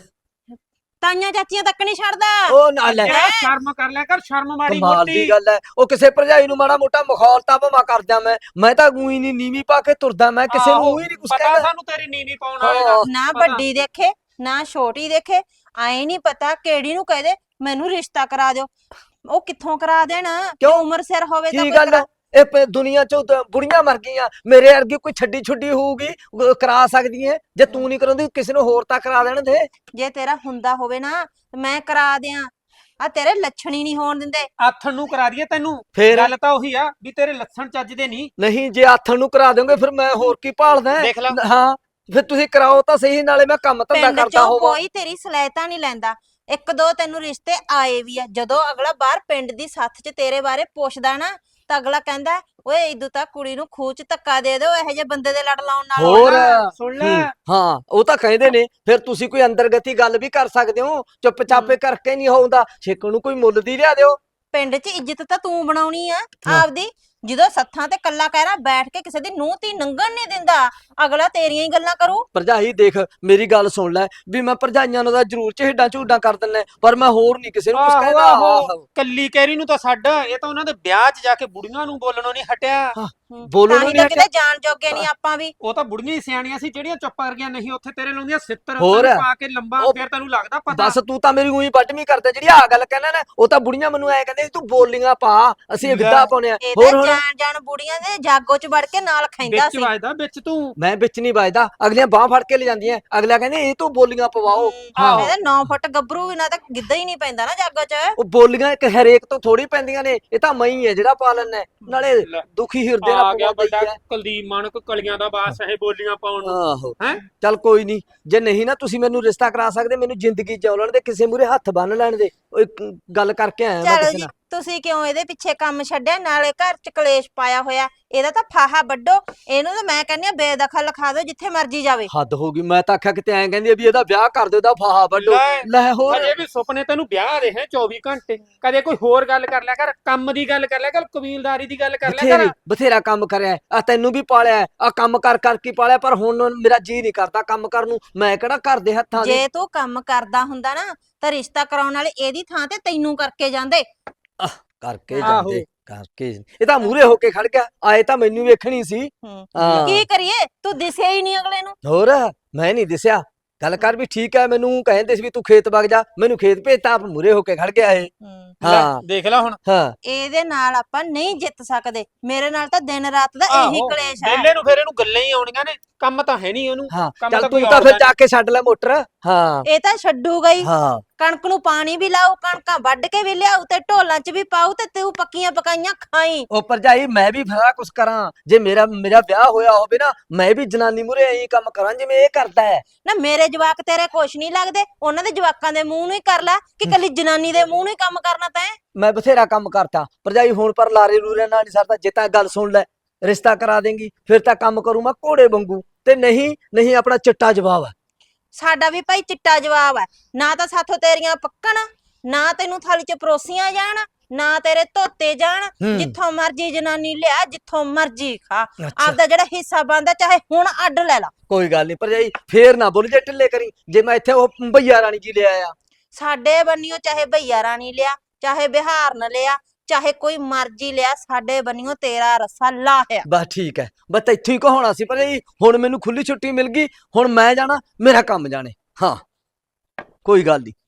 E: ਤਾਈਆਂ ਚਾਚੀਆਂ ਤੱਕ ਨਹੀਂ ਛੱਡਦਾ।
A: ਉਹ ਨਾ ਲੈ
D: ਜਿਹੜਾ ਸ਼ਰਮ ਕਰ ਲਿਆ ਕਰ, ਸ਼ਰਮ ਮਾੜੀ
A: ਕਮਾਲ ਦੀ
D: ਮੋਟੀ।
A: ਗੱਲ ਹੈ ਉਹ ਕਿਸੇ ਭਰਜਾਈ ਨੂੰ ਮਾੜਾ ਮੋਟਾ ਮਖੌਲਤਾ ਭਾਵੇਂ ਕਰਦਾ ਮੈਂ ਮੈਂ ਤਾਂ ਗੂਈ ਨਹੀਂ ਨੀਵੀਂ ਪਾ ਕੇ ਤੁਰਦਾ ਮੈਂ ਕਿਸੇ ਨੂੰ
D: ਆਹੋ,
A: ਹੀ ਨਹੀਂ ਕੁਛ
D: ਪਤਾ
A: ਕਹਿੰਦਾ
D: ਸਾਨੂੰ ਤੇਰੀ ਨੀਵੀਂ ਪਾਉਣ ਵਾਲੇ ਦਾ।
A: ਹਾਂ।
E: ਨਾ
D: ਪਤਾ।
E: ਵੱਡੀ ਦੇਖੇ ਨਾ ਛੋਟੀ ਦੇਖੇ, ਆਏ ਨਹੀਂ ਪਤਾ ਕਿਹੜੀ ਨੂੰ ਕਹਦੇ ਮੈਨੂੰ ਰਿਸ਼ਤਾ ਕਰਾ ਦਿਓ। ਉਹ ਕਿੱਥੋਂ ਕਰਾ ਦੇਣ?
A: ਕਿਉਂ?
E: ਜੋ ਉਮਰ ਸਿਰ ਹੋਵੇ ਤਾਂ
A: ਕੀ
E: ਕੋਈ
A: ਗੱਲ
E: ਕਰਾ-
A: ਇਹ ਪ- ਦੁਨੀਆ ਚੋਂ ਤਾਂ ਬੁੜੀਆਂ ਮਰ ਗਈਆਂ ਮੇਰੇ ਵਰਗੀ ਕੋਈ ਛੱਡੀ ਛੁੱਡੀ ਹੋਊਗੀ ਉਹ ਕਰਾ ਸਕਦੀ ਹੈ ਜੇ ਤੂੰ ਨਹੀਂ ਕਰਾਉਂਦੀ ਕਿਸੇ ਨੂੰ ਹੋਰ ਤਾਂ ਕਰਾ ਦੇਣ ਦੇ
E: ਜੇ ਤੇਰਾ ਹੁੰਦਾ ਹੋਵੇ ਨਾ ਤੇ ਮੈਂ ਕਰਾ ਦਿਆਂ। ਆ ਤੇਰੇ ਲੱਛਣ ਹੀ ਨਹੀਂ ਹੋਣ ਦਿੰਦੇ।
D: ਆਥਣ ਨੂੰ ਕਰਾ ਦਈਏ ਤੈਨੂੰ।
A: ਫੇਰ
D: ਗੱਲ ਤਾਂ ਉਹੀ ਆ ਵੀ ਤੇਰੇ ਲੱਛਣ ਚੱਜਦੇ ਨਹੀਂ।
A: ਨਹੀਂ ਜੇ ਆਥਣ ਨੂੰ ਕਰਾ ਦੋਗੇ ਫਿਰ ਮੈਂ ਹੋਰ ਕੀ ਭਾਲਦਾ
D: ਦੇਖ ਲਾ।
A: ਹਾਂ ਫਿਰ ਤੁਸੀਂ ਕਰਾਓ ਤਾਂ ਸਹੀ, ਨਾਲੇ ਮੈਂ ਕੰਮ ਧੰਦਾ
E: ਪਿੰਡ
A: ਕਰਦਾ
E: ਚੋਂ
A: ਹੋਵਾਂ।
E: ਕੋਈ ਤੇਰੀ ਸਲਾਹਿਤਾ ਨਹੀਂ ਲੈਂਦਾ। ਇੱਕ ਦੋ ਤੈਨੂੰ ਰਿਸ਼ਤੇ ਆਏ ਵੀ ਆ, ਜਦੋਂ ਅਗਲਾ ਬਾਹਰ ਪਿੰਡ ਦੀ ਸੱਥ 'ਚ ਤੇਰੇ ਬਾਰੇ ਪੁੱਛਦਾ ਨਾ ਤਾਂ ਅਗਲਾ ਕਹਿੰਦਾ ਓਏ ਇਦੋਂ ਤਾਂ ਕੁੜੀ ਨੂੰ ਖੂਹ 'ਚ ਧੱਕਾ ਦੇ ਦਿਓ, ਇਹੋ ਜਿਹੇ ਬੰਦੇ ਦੇ ਲੜ ਲਾਉਣ ਨਾਲੋਂ।
A: ਹੋਰ
D: ਸੁਣ ਲੈ
A: ਹੂੰ, ਹਾਂ ਉਹ ਤਾਂ ਕਹਿੰਦੇ ਨੇ ਫਿਰ ਤੁਸੀਂ ਕੋਈ ਅੰਤਰਗਤੀ ਗੱਲ ਵੀ ਕਰ ਸਕਦੇ ਹੋ, ਚੁੱਪ ਚਾਪੇ ਕਰਕੇ ਨਹੀਂ ਹੋਉਂਦਾ, ਛੇਕਣ ਨੂੰ ਕੋਈ ਮੁੱਲ ਦੀ ਲਿਆ ਦਿਓ।
E: ਪਿੰਡ 'ਚ ਇੱਜ਼ਤ ਤਾਂ ਤੂੰ ਬਣਾਉਣੀ ਆ
A: ਹਾਂ।
E: ਆਪਦੀ। ਜਦੋਂ ਸੱਥਾਂ ਤੇ ਕੱਲਾ ਕਹਿਰਾ ਬੈਠ ਕੇ ਕਿਸੇ ਦੀ ਨੂੰਹ ਧੀ ਨੰਗਣ ਨਹੀਂ ਦਿੰਦਾ, ਅਗਲਾ ਤੇਰੀਆਂ ਹੀ ਗੱਲਾਂ ਕਰੂ।
A: ਭਰਜਾਈ ਦੇਖ ਮੇਰੀ ਗੱਲ ਸੁਣ ਲੈ, ਵੀ ਮੈਂ ਭਰਜਾਈਆਂ ਨੂੰ ਤਾਂ ਜ਼ਰੂਰ ਝੇਡਾਂ ਝੂਡਾਂ ਕਰ ਦਿੰਦਾ, ਪਰ ਮੈਂ ਹੋਰ ਨਹੀਂ ਕਿਸੇ ਨੂੰ ਕੁਝ
D: ਆਹੋ
A: ਕਹਿੰਦਾ।
D: ਆਹੋ
A: ਆਹੋ
D: ਕੱਲੀ ਕੈਰੀ ਨੂੰ ਤਾਂ ਛੱਡ, ਇਹ ਤਾਂ ਉਹਨਾਂ ਦੇ ਵਿਆਹ 'ਚ ਜਾ ਕੇ ਬੁੜੀਆਂ ਨੂੰ ਬੋਲਣੋਂ ਨਹੀਂ ਹਟਿਆ।
E: ਹੂੰ,
A: ਬੋਲੋ
E: ਤਾਂ
A: ਨੂੰ
E: ਹੀ
A: ਨਹੀਂ
E: ਤਾਂ ਕਿਤੇ ਜਾਣ ਜੋਗੇ ਨਹੀਂ ਆਪਾਂ ਵੀ।
D: ਉਹ ਤਾਂ ਬੁੜੀਆਂ ਹੀ ਸਿਆਣੀਆਂ ਸੀ ਜਿਹੜੀਆਂ ਚੁੱਪ ਕਰ ਗਈਆਂ, ਨਹੀਂ ਉੱਥੇ ਤੇਰੇ ਲਾਉਂਦੀਆਂ ਸਿੱਤਰ
A: ਹੋਰ?
D: ਤੈਨੂੰ ਪਾ ਕੇ ਲੰਬਾ,
A: ਉਹ
D: ਫਿਰ ਤੈਨੂੰ ਲੱਗਦਾ ਪਤਾ।
A: ਬਸ ਤੂੰ ਤਾਂ ਮੇਰੀ ਉਹੀ ਵੱਟਵੀਂ ਕਰਦਾ, ਜਿਹੜੀ ਆ ਗੱਲ ਕਹਿਣਾ ਨਾ, ਉਹ ਤਾਂ ਬੁੜੀਆਂ ਮੈਨੂੰ ਐ ਕਹਿੰਦੇ ਤੂੰ ਬੋਲੀਆਂ ਪਾ, ਅਸੀਂ
D: ਲੈ।
A: ਗਿੱਧਾ ਪਾਉਣੇ ਆ।
E: ਇਹ
A: ਹੋਰ
E: ਤਾਂ
A: ਹੁਣ
E: ਜਾਣ ਜਾਣ ਬੁੜੀਆਂ ਦੇ ਜਾਗੋ 'ਚ ਵੜ ਕੇ ਨਾਲ ਖੈਂਦਾ
D: ਵਿੱਚ
E: ਸੀ।
D: ਵੱਜਦਾ ਵਿੱਚ ਤੂੰ।
A: ਮੈਂ ਵਿੱਚ ਨਹੀਂ ਵੱਜਦਾ, ਅਗਲੀਆਂ ਬਾਹ ਫੜ ਕੇ ਲੈ ਜਾਂਦੀਆਂ, ਅਗਲਾ ਕਹਿੰਦੇ ਇਹ ਤੂੰ ਬੋਲੀਆਂ ਪਵਾਓ। ਹਾਂ
E: ਇਹਦੇ ਨੌ ਫੁੱਟ ਗੱਭਰੂ ਵੀ ਨਾ ਤਾਂ ਗਿੱਧਾ ਹੀ ਨਹੀਂ ਪੈਂਦਾ ਨਾ ਜਾਗੋ 'ਚ।
A: ਉਹ ਬੋਲੀਆਂ ਇੱਕ ਹਰੇਕ ਤੋਂ ਥੋੜੀ ਪੈਂਦੀਆਂ ਨੇ, ਇਹ ਤਾਂ ਮੈਂ ਹੀ ਹੈ ਜਿਹੜਾ ਪਾ ਲੈਣਾ, ਨਾਲੇ
D: ਲੈ।
A: ਦੁਖੀ ਹਿਰਦੇ ਨਾਲ
D: ਆ ਗਿਆ
A: ਪਵਾਉਂਦਾ
D: ਵੱਡਾ
A: ਹੀ ਹੈ।
D: ਕੁਲਦੀਪ ਮਾਨਕ ਕਲੀਆਂ ਦਾ ਬਾਸ ਇਹ ਬੋਲੀਆਂ ਪਾਉਣ ਨੂੰ।
A: ਆਹੋ
D: ਹੈਂ?
A: ਚੱਲ ਕੋਈ ਨਹੀਂ, ਜੇ ਨਹੀਂ ਨਾ ਤੁਸੀਂ ਮੈਨੂੰ ਰਿਸ਼ਤਾ ਕਰਾ ਸਕਦੇ, ਮੈਨੂੰ ਜ਼ਿੰਦਗੀ ਜਿਉਣ ਲੈਣ ਦੇ, ਕਿਸੇ ਮੂਰੇ ਹੱਥ ਬੰਨ ਲੈਣ ਦੇ। ਉਹ ਇੱਕ ਗੱਲ ਕਰਕੇ ਆਇਆ ਮੈਂ
E: ਚਲੋ
A: ਕਿਸੇ
E: ਜੀ,
A: ਨਾਲ।
E: ਤੁਸੀਂ ਕਿਉਂ ਇਹਦੇ ਪਿੱਛੇ ਕੰਮ ਛੱਡਿਆ? ਨਾਲੇ ਘਰ 'ਚ ਕਲੇਸ਼ ਪਾਇਆ ਹੋਇਆ, ਇਹਦਾ ਤਾਂ ਫਾਹਾ ਵੱਡੋ। ਇਹਨੂੰ ਤਾਂ ਮੈਂ ਕਹਿੰਦੀ ਆ ਬੇਦਖਲ ਲਿਖਾ ਦਿਓ, ਜਿੱਥੇ ਮਰਜ਼ੀ ਜਾਵੇ।
A: ਹੱਦ ਹੋ ਗਈ, ਮੈਂ ਤਾਂ ਆਖਿਆ ਕਿਤੇ ਐਂ ਕਹਿੰਦੀ ਆ ਵੀ ਇਹਦਾ ਵਿਆਹ ਕਰ ਦਿਓ, ਇਹਦਾ ਫਾਹਾ ਵੱਡੋ।
D: ਲੈ,
A: ਲੈ ਹੋਰ
D: ਅਜੇ ਵੀ ਸੁਪਨੇ ਤੈਨੂੰ ਵਿਆਹ ਦੇ ਹੈ ਚੌਵੀ ਘੰਟੇ। ਕਦੇ ਕੋਈ ਹੋਰ ਗੱਲ ਕਰ ਲਿਆ ਕਰ, ਕੰਮ ਦੀ ਗੱਲ ਕਰ ਲਿਆ ਕਰ, ਕਬੀਲਦਾਰੀ ਦੀ ਗੱਲ ਕਰ ਲਿਆ
A: ਬਥੇਰੀ
D: ਕਰ।
A: ਬਥੇਰਾ ਕੰਮ ਕਰਿਆ ਆ, ਤੈਨੂੰ ਵੀ ਪਾਲਿਆ ਆ, ਕੰਮ ਕਰ ਕਰ ਕੇ ਪਾਲਿਆ, ਪਰ ਹੁਣ ਮੇਰਾ ਜੀ ਨਹੀਂ ਕਰਦਾ ਕੰਮ ਕਰਨ ਨੂੰ। ਮੈਂ ਕਿਹੜਾ ਘਰ ਦੇ ਹੱਥਾਂ ਦੀ।
E: ਜੇ ਤੂੰ ਕੰਮ ਕਰਦਾ ਹੁੰਦਾ ਨਾ ਤਾਂ ਰਿਸ਼ਤਾ ਕਰਾਉਣ ਵਾਲੇ ਇਹਦੀ ਥਾਂ ਤੇ ਤੈਨੂੰ ਕਰਕੇ ਜਾਂਦੇ।
A: ਕਰਕੇ
D: ਆਹੋ।
A: ਜਾਂਦੇ ਕਰਕੇ, ਇਹ ਤਾਂ ਮੂਰੇ ਹੋ ਕੇ ਖੜ ਗਿਆ, ਆਏ ਤਾਂ ਮੈਨੂੰ ਵੇਖਣੀ ਸੀ।
E: ਹੂੰ।
A: ਹਾਂ
E: ਕੀ ਕਰੀਏ, ਤੂੰ ਦਿਸਿਆ ਹੀ ਨਹੀਂ ਅਗਲੇ ਨੂੰ।
A: ਹੋਰ ਮੈਂ ਨਹੀਂ ਦਿਸਿਆ, ਗੱਲ ਕਰ ਵੀ ਠੀਕ ਹੈ। ਮੈਨੂੰ ਕਹਿੰਦੇ ਸੀ ਵੀ ਤੂੰ ਖੇਤ ਵਗ ਜਾ, ਮੈਨੂੰ ਖੇਤ ਭੇਜਤਾ, ਆਪ ਮੂਰੇ ਹੋ ਕੇ ਖੜ ਗਿਆ ਇਹ।
D: ਲੈ,
A: ਹਾਂ
D: ਦੇਖ ਲੈ ਹੁਣ।
A: ਹਾਂ
E: ਇਹਦੇ ਨਾਲ ਆਪਾਂ ਨਹੀਂ ਜਿੱਤ ਸਕਦੇ। ਮੇਰੇ ਨਾਲ ਤਾਂ ਦਿਨ ਰਾਤ ਦਾ ਇਹੀ
D: ਆਹੋ,
E: ਕਲੇਸ਼ ਹੈ।
D: ਵਿਹਲੇ ਨੂੰ ਫਿਰ ਇਹਨੂੰ ਗੱਲਾਂ ਹੀ ਆਉਣੀਆਂ ਨੇ, ਕੰਮ ਤਾਂ ਹੈ ਨਹੀਂ ਉਹਨੂੰ।
A: ਹਾਂ
D: ਕੰਮ
A: ਚੱਲ
D: ਤਾਂ
A: ਤੂੰ
D: ਕੋਈ
A: ਤਾਂ ਫਿਰ
D: ਆਉਂਦਾ
A: ਜਾ ਕੇ ਛੱਡ ਲੈ ਮੋਟਰ। ਹਾਂ
E: ਇਹ ਤਾਂ ਛੱਡੂਗਾ ਹੀ।
A: ਹਾਂ
E: ਕਣਕ ਨੂੰ ਪਾਣੀ ਵੀ ਲਾਓ, ਕਣਕਾਂ ਵੱਢ ਕੇ ਵੀ ਲਿਆਉ ਤੇ ਢੋਲਾਂ 'ਚ ਵੀ ਪਾਉ, ਤੇ ਤੂੰ ਪੱਕੀਆਂ ਪਕਾਈਆਂ ਖਾਈ।
A: ਉਹ ਭਰਜਾਈ ਮੈਂ ਵੀ ਫਰਾ ਕੁਛ ਕਰਾਂ, ਜੇ ਮੇਰਾ ਮੇਰਾ ਵਿਆਹ ਹੋਇਆ ਹੋਵੇ ਨਾ, ਮੈਂ ਵੀ ਜਨਾਨੀ ਮੂਰੇ ਐਂ ਕੰਮ ਕਰਾਂ ਜਿਵੇਂ ਇਹ ਕਰਦਾ ਹੈ।
E: ਨਾ ਮੇਰੇ ਜਵਾਕ ਤੇਰੇ ਕੁਛ ਨਹੀਂ ਲੱਗਦੇ, ਉਹਨਾਂ ਦੇ ਜਵਾਕਾਂ ਦੇ ਮੂੰਹ ਨੂੰ ਹੀ ਕਰ ਲੈ, ਕਿ ਕੱਲੀ ਜਨਾਨੀ ਦੇ ਮੂੰਹ ਨੂੰ ਹੀ ਕੰਮ ਕਰਨਾ ਤੈਂ।
A: ਮੈਂ ਬਥੇਰਾ ਕੰਮ ਕਰਤਾ ਭਰਜਾਈ, ਹੁਣ ਪਰ ਲਾਰੇ ਲੂਰੇ ਨਾਲ ਨਹੀਂ ਸਰਦਾ। ਜੇ ਤਾਂ ਗੱਲ ਸੁਣ ਲੈ, ਰਿਸ਼ਤਾ ਕਰਾ ਦੇਂਗੀ ਫਿਰ ਤਾਂ ਕੰਮ ਕਰੂ ਮੈਂ ਘੋੜੇ ਵਾਂਗੂ, ਤੇ ਨਹੀਂ ਨਹੀਂ ਆਪਣਾ ਚਿੱਟਾ ਜਵਾਬ ਹੈ।
E: ਸਾਡਾ ਵੀ ਭਾਈ ਚਿੱਟਾ ਜਵਾਬ ਹੈ। ਨਾ ਤਾਂ ਸਾਥੋਂ ਤੇਰੀਆਂ ਪੱਕਣ, ਨਾ ਤੈਨੂੰ ਥਾਲੀ 'ਚ ਪਰੋਸੀਆਂ ਜਾਣ, ਨਾ ਤੇਰੇ ਧੋਤੇ ਜਾਣ।
A: ਹੂੰ।
E: ਜਿੱਥੋਂ ਮਰਜੀ ਜਨਾਨੀ ਲਿਆ, ਜਿੱਥੋਂ ਮਰਜੀ ਖਾ,
A: ਅੱਛਾ।
E: ਆਪਦਾ ਜਿਹੜਾ ਹਿੱਸਾ ਬਣਦਾ ਚਾਹੇ ਹੁਣ ਅੱਡ ਲੈ ਲਾ।
A: ਕੋਈ ਗੱਲ ਨਹੀਂ ਭਰਜਾਈ, ਫੇਰ ਨਾ ਬੋਲ ਜੇ ਢਿੱਲੇ ਕਰੀ, ਜੇ ਮੈਂ ਇੱਥੇ ਉਹ ਭਈਆ ਰਾਣੀ ਜੀ ਲੈ ਆਇਆ।
E: ਸਾਡੇ ਬੰਨਿਓ ਚਾਹੇ ਭਈਆ ਰਾਣੀ ਲਿਆ, ਚਾਹੇ ਬਿਹਾਰ ਨ ਲਿਆ, ਚਾਹੇ ਕੋਈ ਮਰਜੀ ਲਿਆ, ਸਾਡੇ ਬੰਨਿਓ ਤੇਰਾ ਰੱਸਾ ਲਾਹਿਆ।
A: ਬਸ ਠੀਕ ਹੈ, ਬਸ ਇੱਥੋਂ ਹੀ ਕਹਾਉਣਾ ਸੀ ਭਰਜਾਈ। ਹੁਣ ਮੈਨੂੰ ਖੁੱਲੀ ਛੁੱਟੀ ਮਿਲ ਗਈ, ਹੁਣ ਮੈਂ ਜਾਣਾ, ਮੇਰਾ ਕੰਮ ਜਾਣੇ। ਹਾਂ ਕੋਈ ਗੱਲ ਨਹੀਂ।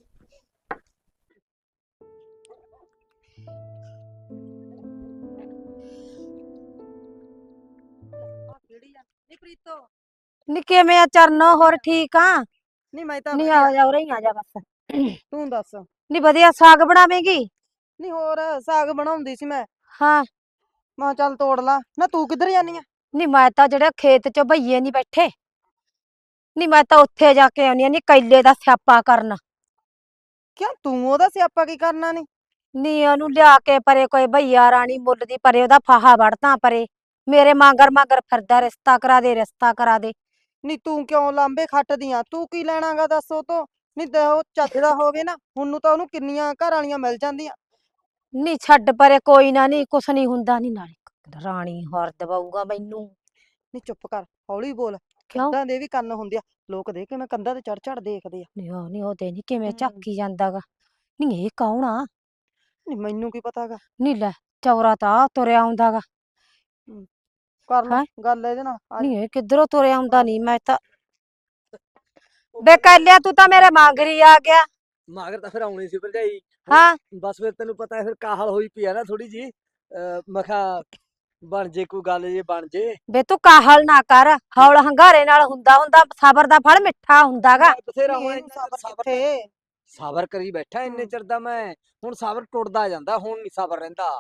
C: ਨੀ ਕਿਵੇਂ ਆ ਚਰਨ? ਹੋਰ ਠੀਕ ਆ?
B: ਨਹੀਂ ਮੈਂ ਤਾਂ
C: ਨੀ ਆ ਜਾ, ਉਰੇ ਹੀ ਆ ਜਾ ਬਸ।
B: ਤੂੰ ਦੱਸ।
C: ਨੀ ਵਧੀਆ ਸਾਗ ਬਣਾਵੇਂਗੀ?
B: ਨਹੀਂ ਹੋਰ ਸਾਗ ਬਣਾਉਂਦੀ ਸੀ ਮੈਂ,
C: ਹਾਂ।
B: ਮੈਂ ਕਿਹਾ ਚੱਲ ਤੋੜ ਲਾ। ਨਾ ਤੂੰ ਕਿੱਧਰ ਜਾਨੀ ਆ?
C: ਨੀ ਮੈਂ ਤਾਂ ਜਿਹੜੇ ਖੇਤ 'ਚ ਭਈਏ ਨਹੀਂ ਬੈਠੇ, ਨੀ ਮੈਂ ਤਾਂ ਉੱਥੇ ਜਾ ਕੇ ਆਉਣੀ ਆ, ਨੀ ਕੈਲੇ ਦਾ ਸਿਆਪਾ ਕਰਨ।
B: ਕਿਉਂ ਤੂੰ ਉਹਦਾ ਸਿਆਪਾ ਕੀ ਕਰਨਾ ਨੀ?
C: ਨੀ ਉਹਨੂੰ ਲਿਆ ਕੇ ਪਰੇ ਕੋਈ ਭਈਆ ਰਾਣੀ ਮੁੱਲ ਦੀ ਪਰੇ ਉਹਦਾ ਫਾਹਾ ਵੜਦਾ ਪਰੇ, ਮੇਰੇ ਮਾਂਗਰ ਮਾਂਗਰ ਫਿਰਦਾ ਰਿਸ਼ਤਾ ਕਰਾ ਦੇ ਰਿਸ਼ਤਾ ਕਰਾ ਦੇ।
B: ਨੀ ਤੂੰ ਕਿਉਂ ਲਾਂਬੇ ਖੱਟਦੀ ਆ? ਤੂੰ ਕੀ ਲੈਣਾਗਾ ਦੱਸ ਉਹ ਤੋਂ? ਨਹੀਂ ਤੇ ਉਹ ਚੱਜਦਾ ਹੋਵੇ ਨਾ, ਹੁਣ ਨੂੰ ਤਾਂ ਉਹਨੂੰ ਕਿੰਨੀਆਂ ਘਰ ਵਾਲੀਆਂ ਮਿਲ ਜਾਂਦੀਆਂ।
C: ਨੀ ਛੱਡ ਪਰੇ, ਕੋਈ ਨਾ, ਨੀ ਕੁਛ ਨਹੀਂ ਹੁੰਦਾ। ਨੀ ਨਾਲੇ ਰਾਣੀ ਹਾਰ ਦਵਾਊਗਾ ਮੈਨੂੰ।
B: ਨੀ ਚੁੱਪ ਕਰ, ਹੌਲੀ ਬੋਲ।
C: ਕਿਉਂ?
B: ਕੰਧਾਂ ਦੇ ਵੀ ਕੰਨ ਹੁੰਦੇ ਆ, ਲੋਕ ਦੇ ਕਿਵੇਂ ਕੰਧਾਂ ਤੇ ਚੜ ਚੜ ਦੇਖਦੇ ਆ।
C: ਨੀ ਉਹ ਨੀ ਉਹਦੇ ਨੀ ਕਿਵੇਂ
B: ਹਮ।
C: ਝਾਕੀ ਜਾਂਦਾਗਾ। ਨੀ ਇਹ ਕੌਣ ਆ?
B: ਨੀ ਮੈਨੂੰ ਕੀ ਪਤਾਗਾ।
C: ਨੀ ਲੈ ਚੌਰਾ ਤਾਂ ਆਹ ਤੁਰਿਆ ਆਉਂਦਾਗਾ।
B: ਕਰ ਲੈ
C: ਹੈਂ?
B: ਗੱਲ ਇਹਦੇ ਨਾਲ ਆ
C: ਨੀ ਇਹ ਕਿੱਧਰੋਂ ਤੁਰਿਆ ਆਉਂਦਾ? ਨੀ ਮੈਂ ਤਾਂ ਬੇ ਕਹਿ ਤੂੰ ਤਾਂ ਮੇਰੇ ਮਾਂਗਰੀ ਆ ਗਿਆ।
A: ਮਾਗਰ ਤਾਂ ਫਿਰ ਆਉਣੀ ਸੀ ਭਰਜਾਈ।
C: ਹਾਂ।
A: ਬਸ ਫਿਰ ਤੈਨੂੰ ਪਤਾ ਫਿਰ ਕਾਹਲ ਹੋਈ ਪਈ ਆ ਨਾ ਥੋੜੀ ਜੀ। ਮੈਂ ਕਿਹਾ ਬਣ ਜੇ ਕੋਈ ਗੱਲ, ਜੇ ਬਣ ਜੇ।
C: ਬੇ ਤੂੰ ਕਾਹਲ ਨਾ ਕਰ, ਹੌਲ ਹੰਗਾਰੇ ਨਾਲ ਹੁੰਦਾ ਹੁੰਦਾ ਸਬਰ ਦਾ ਫਲ ਮਿੱਠਾ ਹੁੰਦਾਗਾ।
A: ਬਥੇਰਾ
B: ਨੀ
A: ਹੁਣ
B: ਇਹਨੂੰ
A: ਇੰਨਾ
B: ਸਬਰ
A: ਸਬਰ
B: ਕਿੱਥੇ?
A: ਸਬਰ ਕਰੀ ਬੈਠਾ ਇੰਨੇ
B: ਹਮ।
A: ਚਿਰ ਦਾ ਮੈਂ, ਹੁਣ ਸਬਰ ਟੁੱਟਦਾ ਜਾਂਦਾ, ਹੁਣ ਨਹੀਂ ਸਬਰ ਰਹਿੰਦਾ।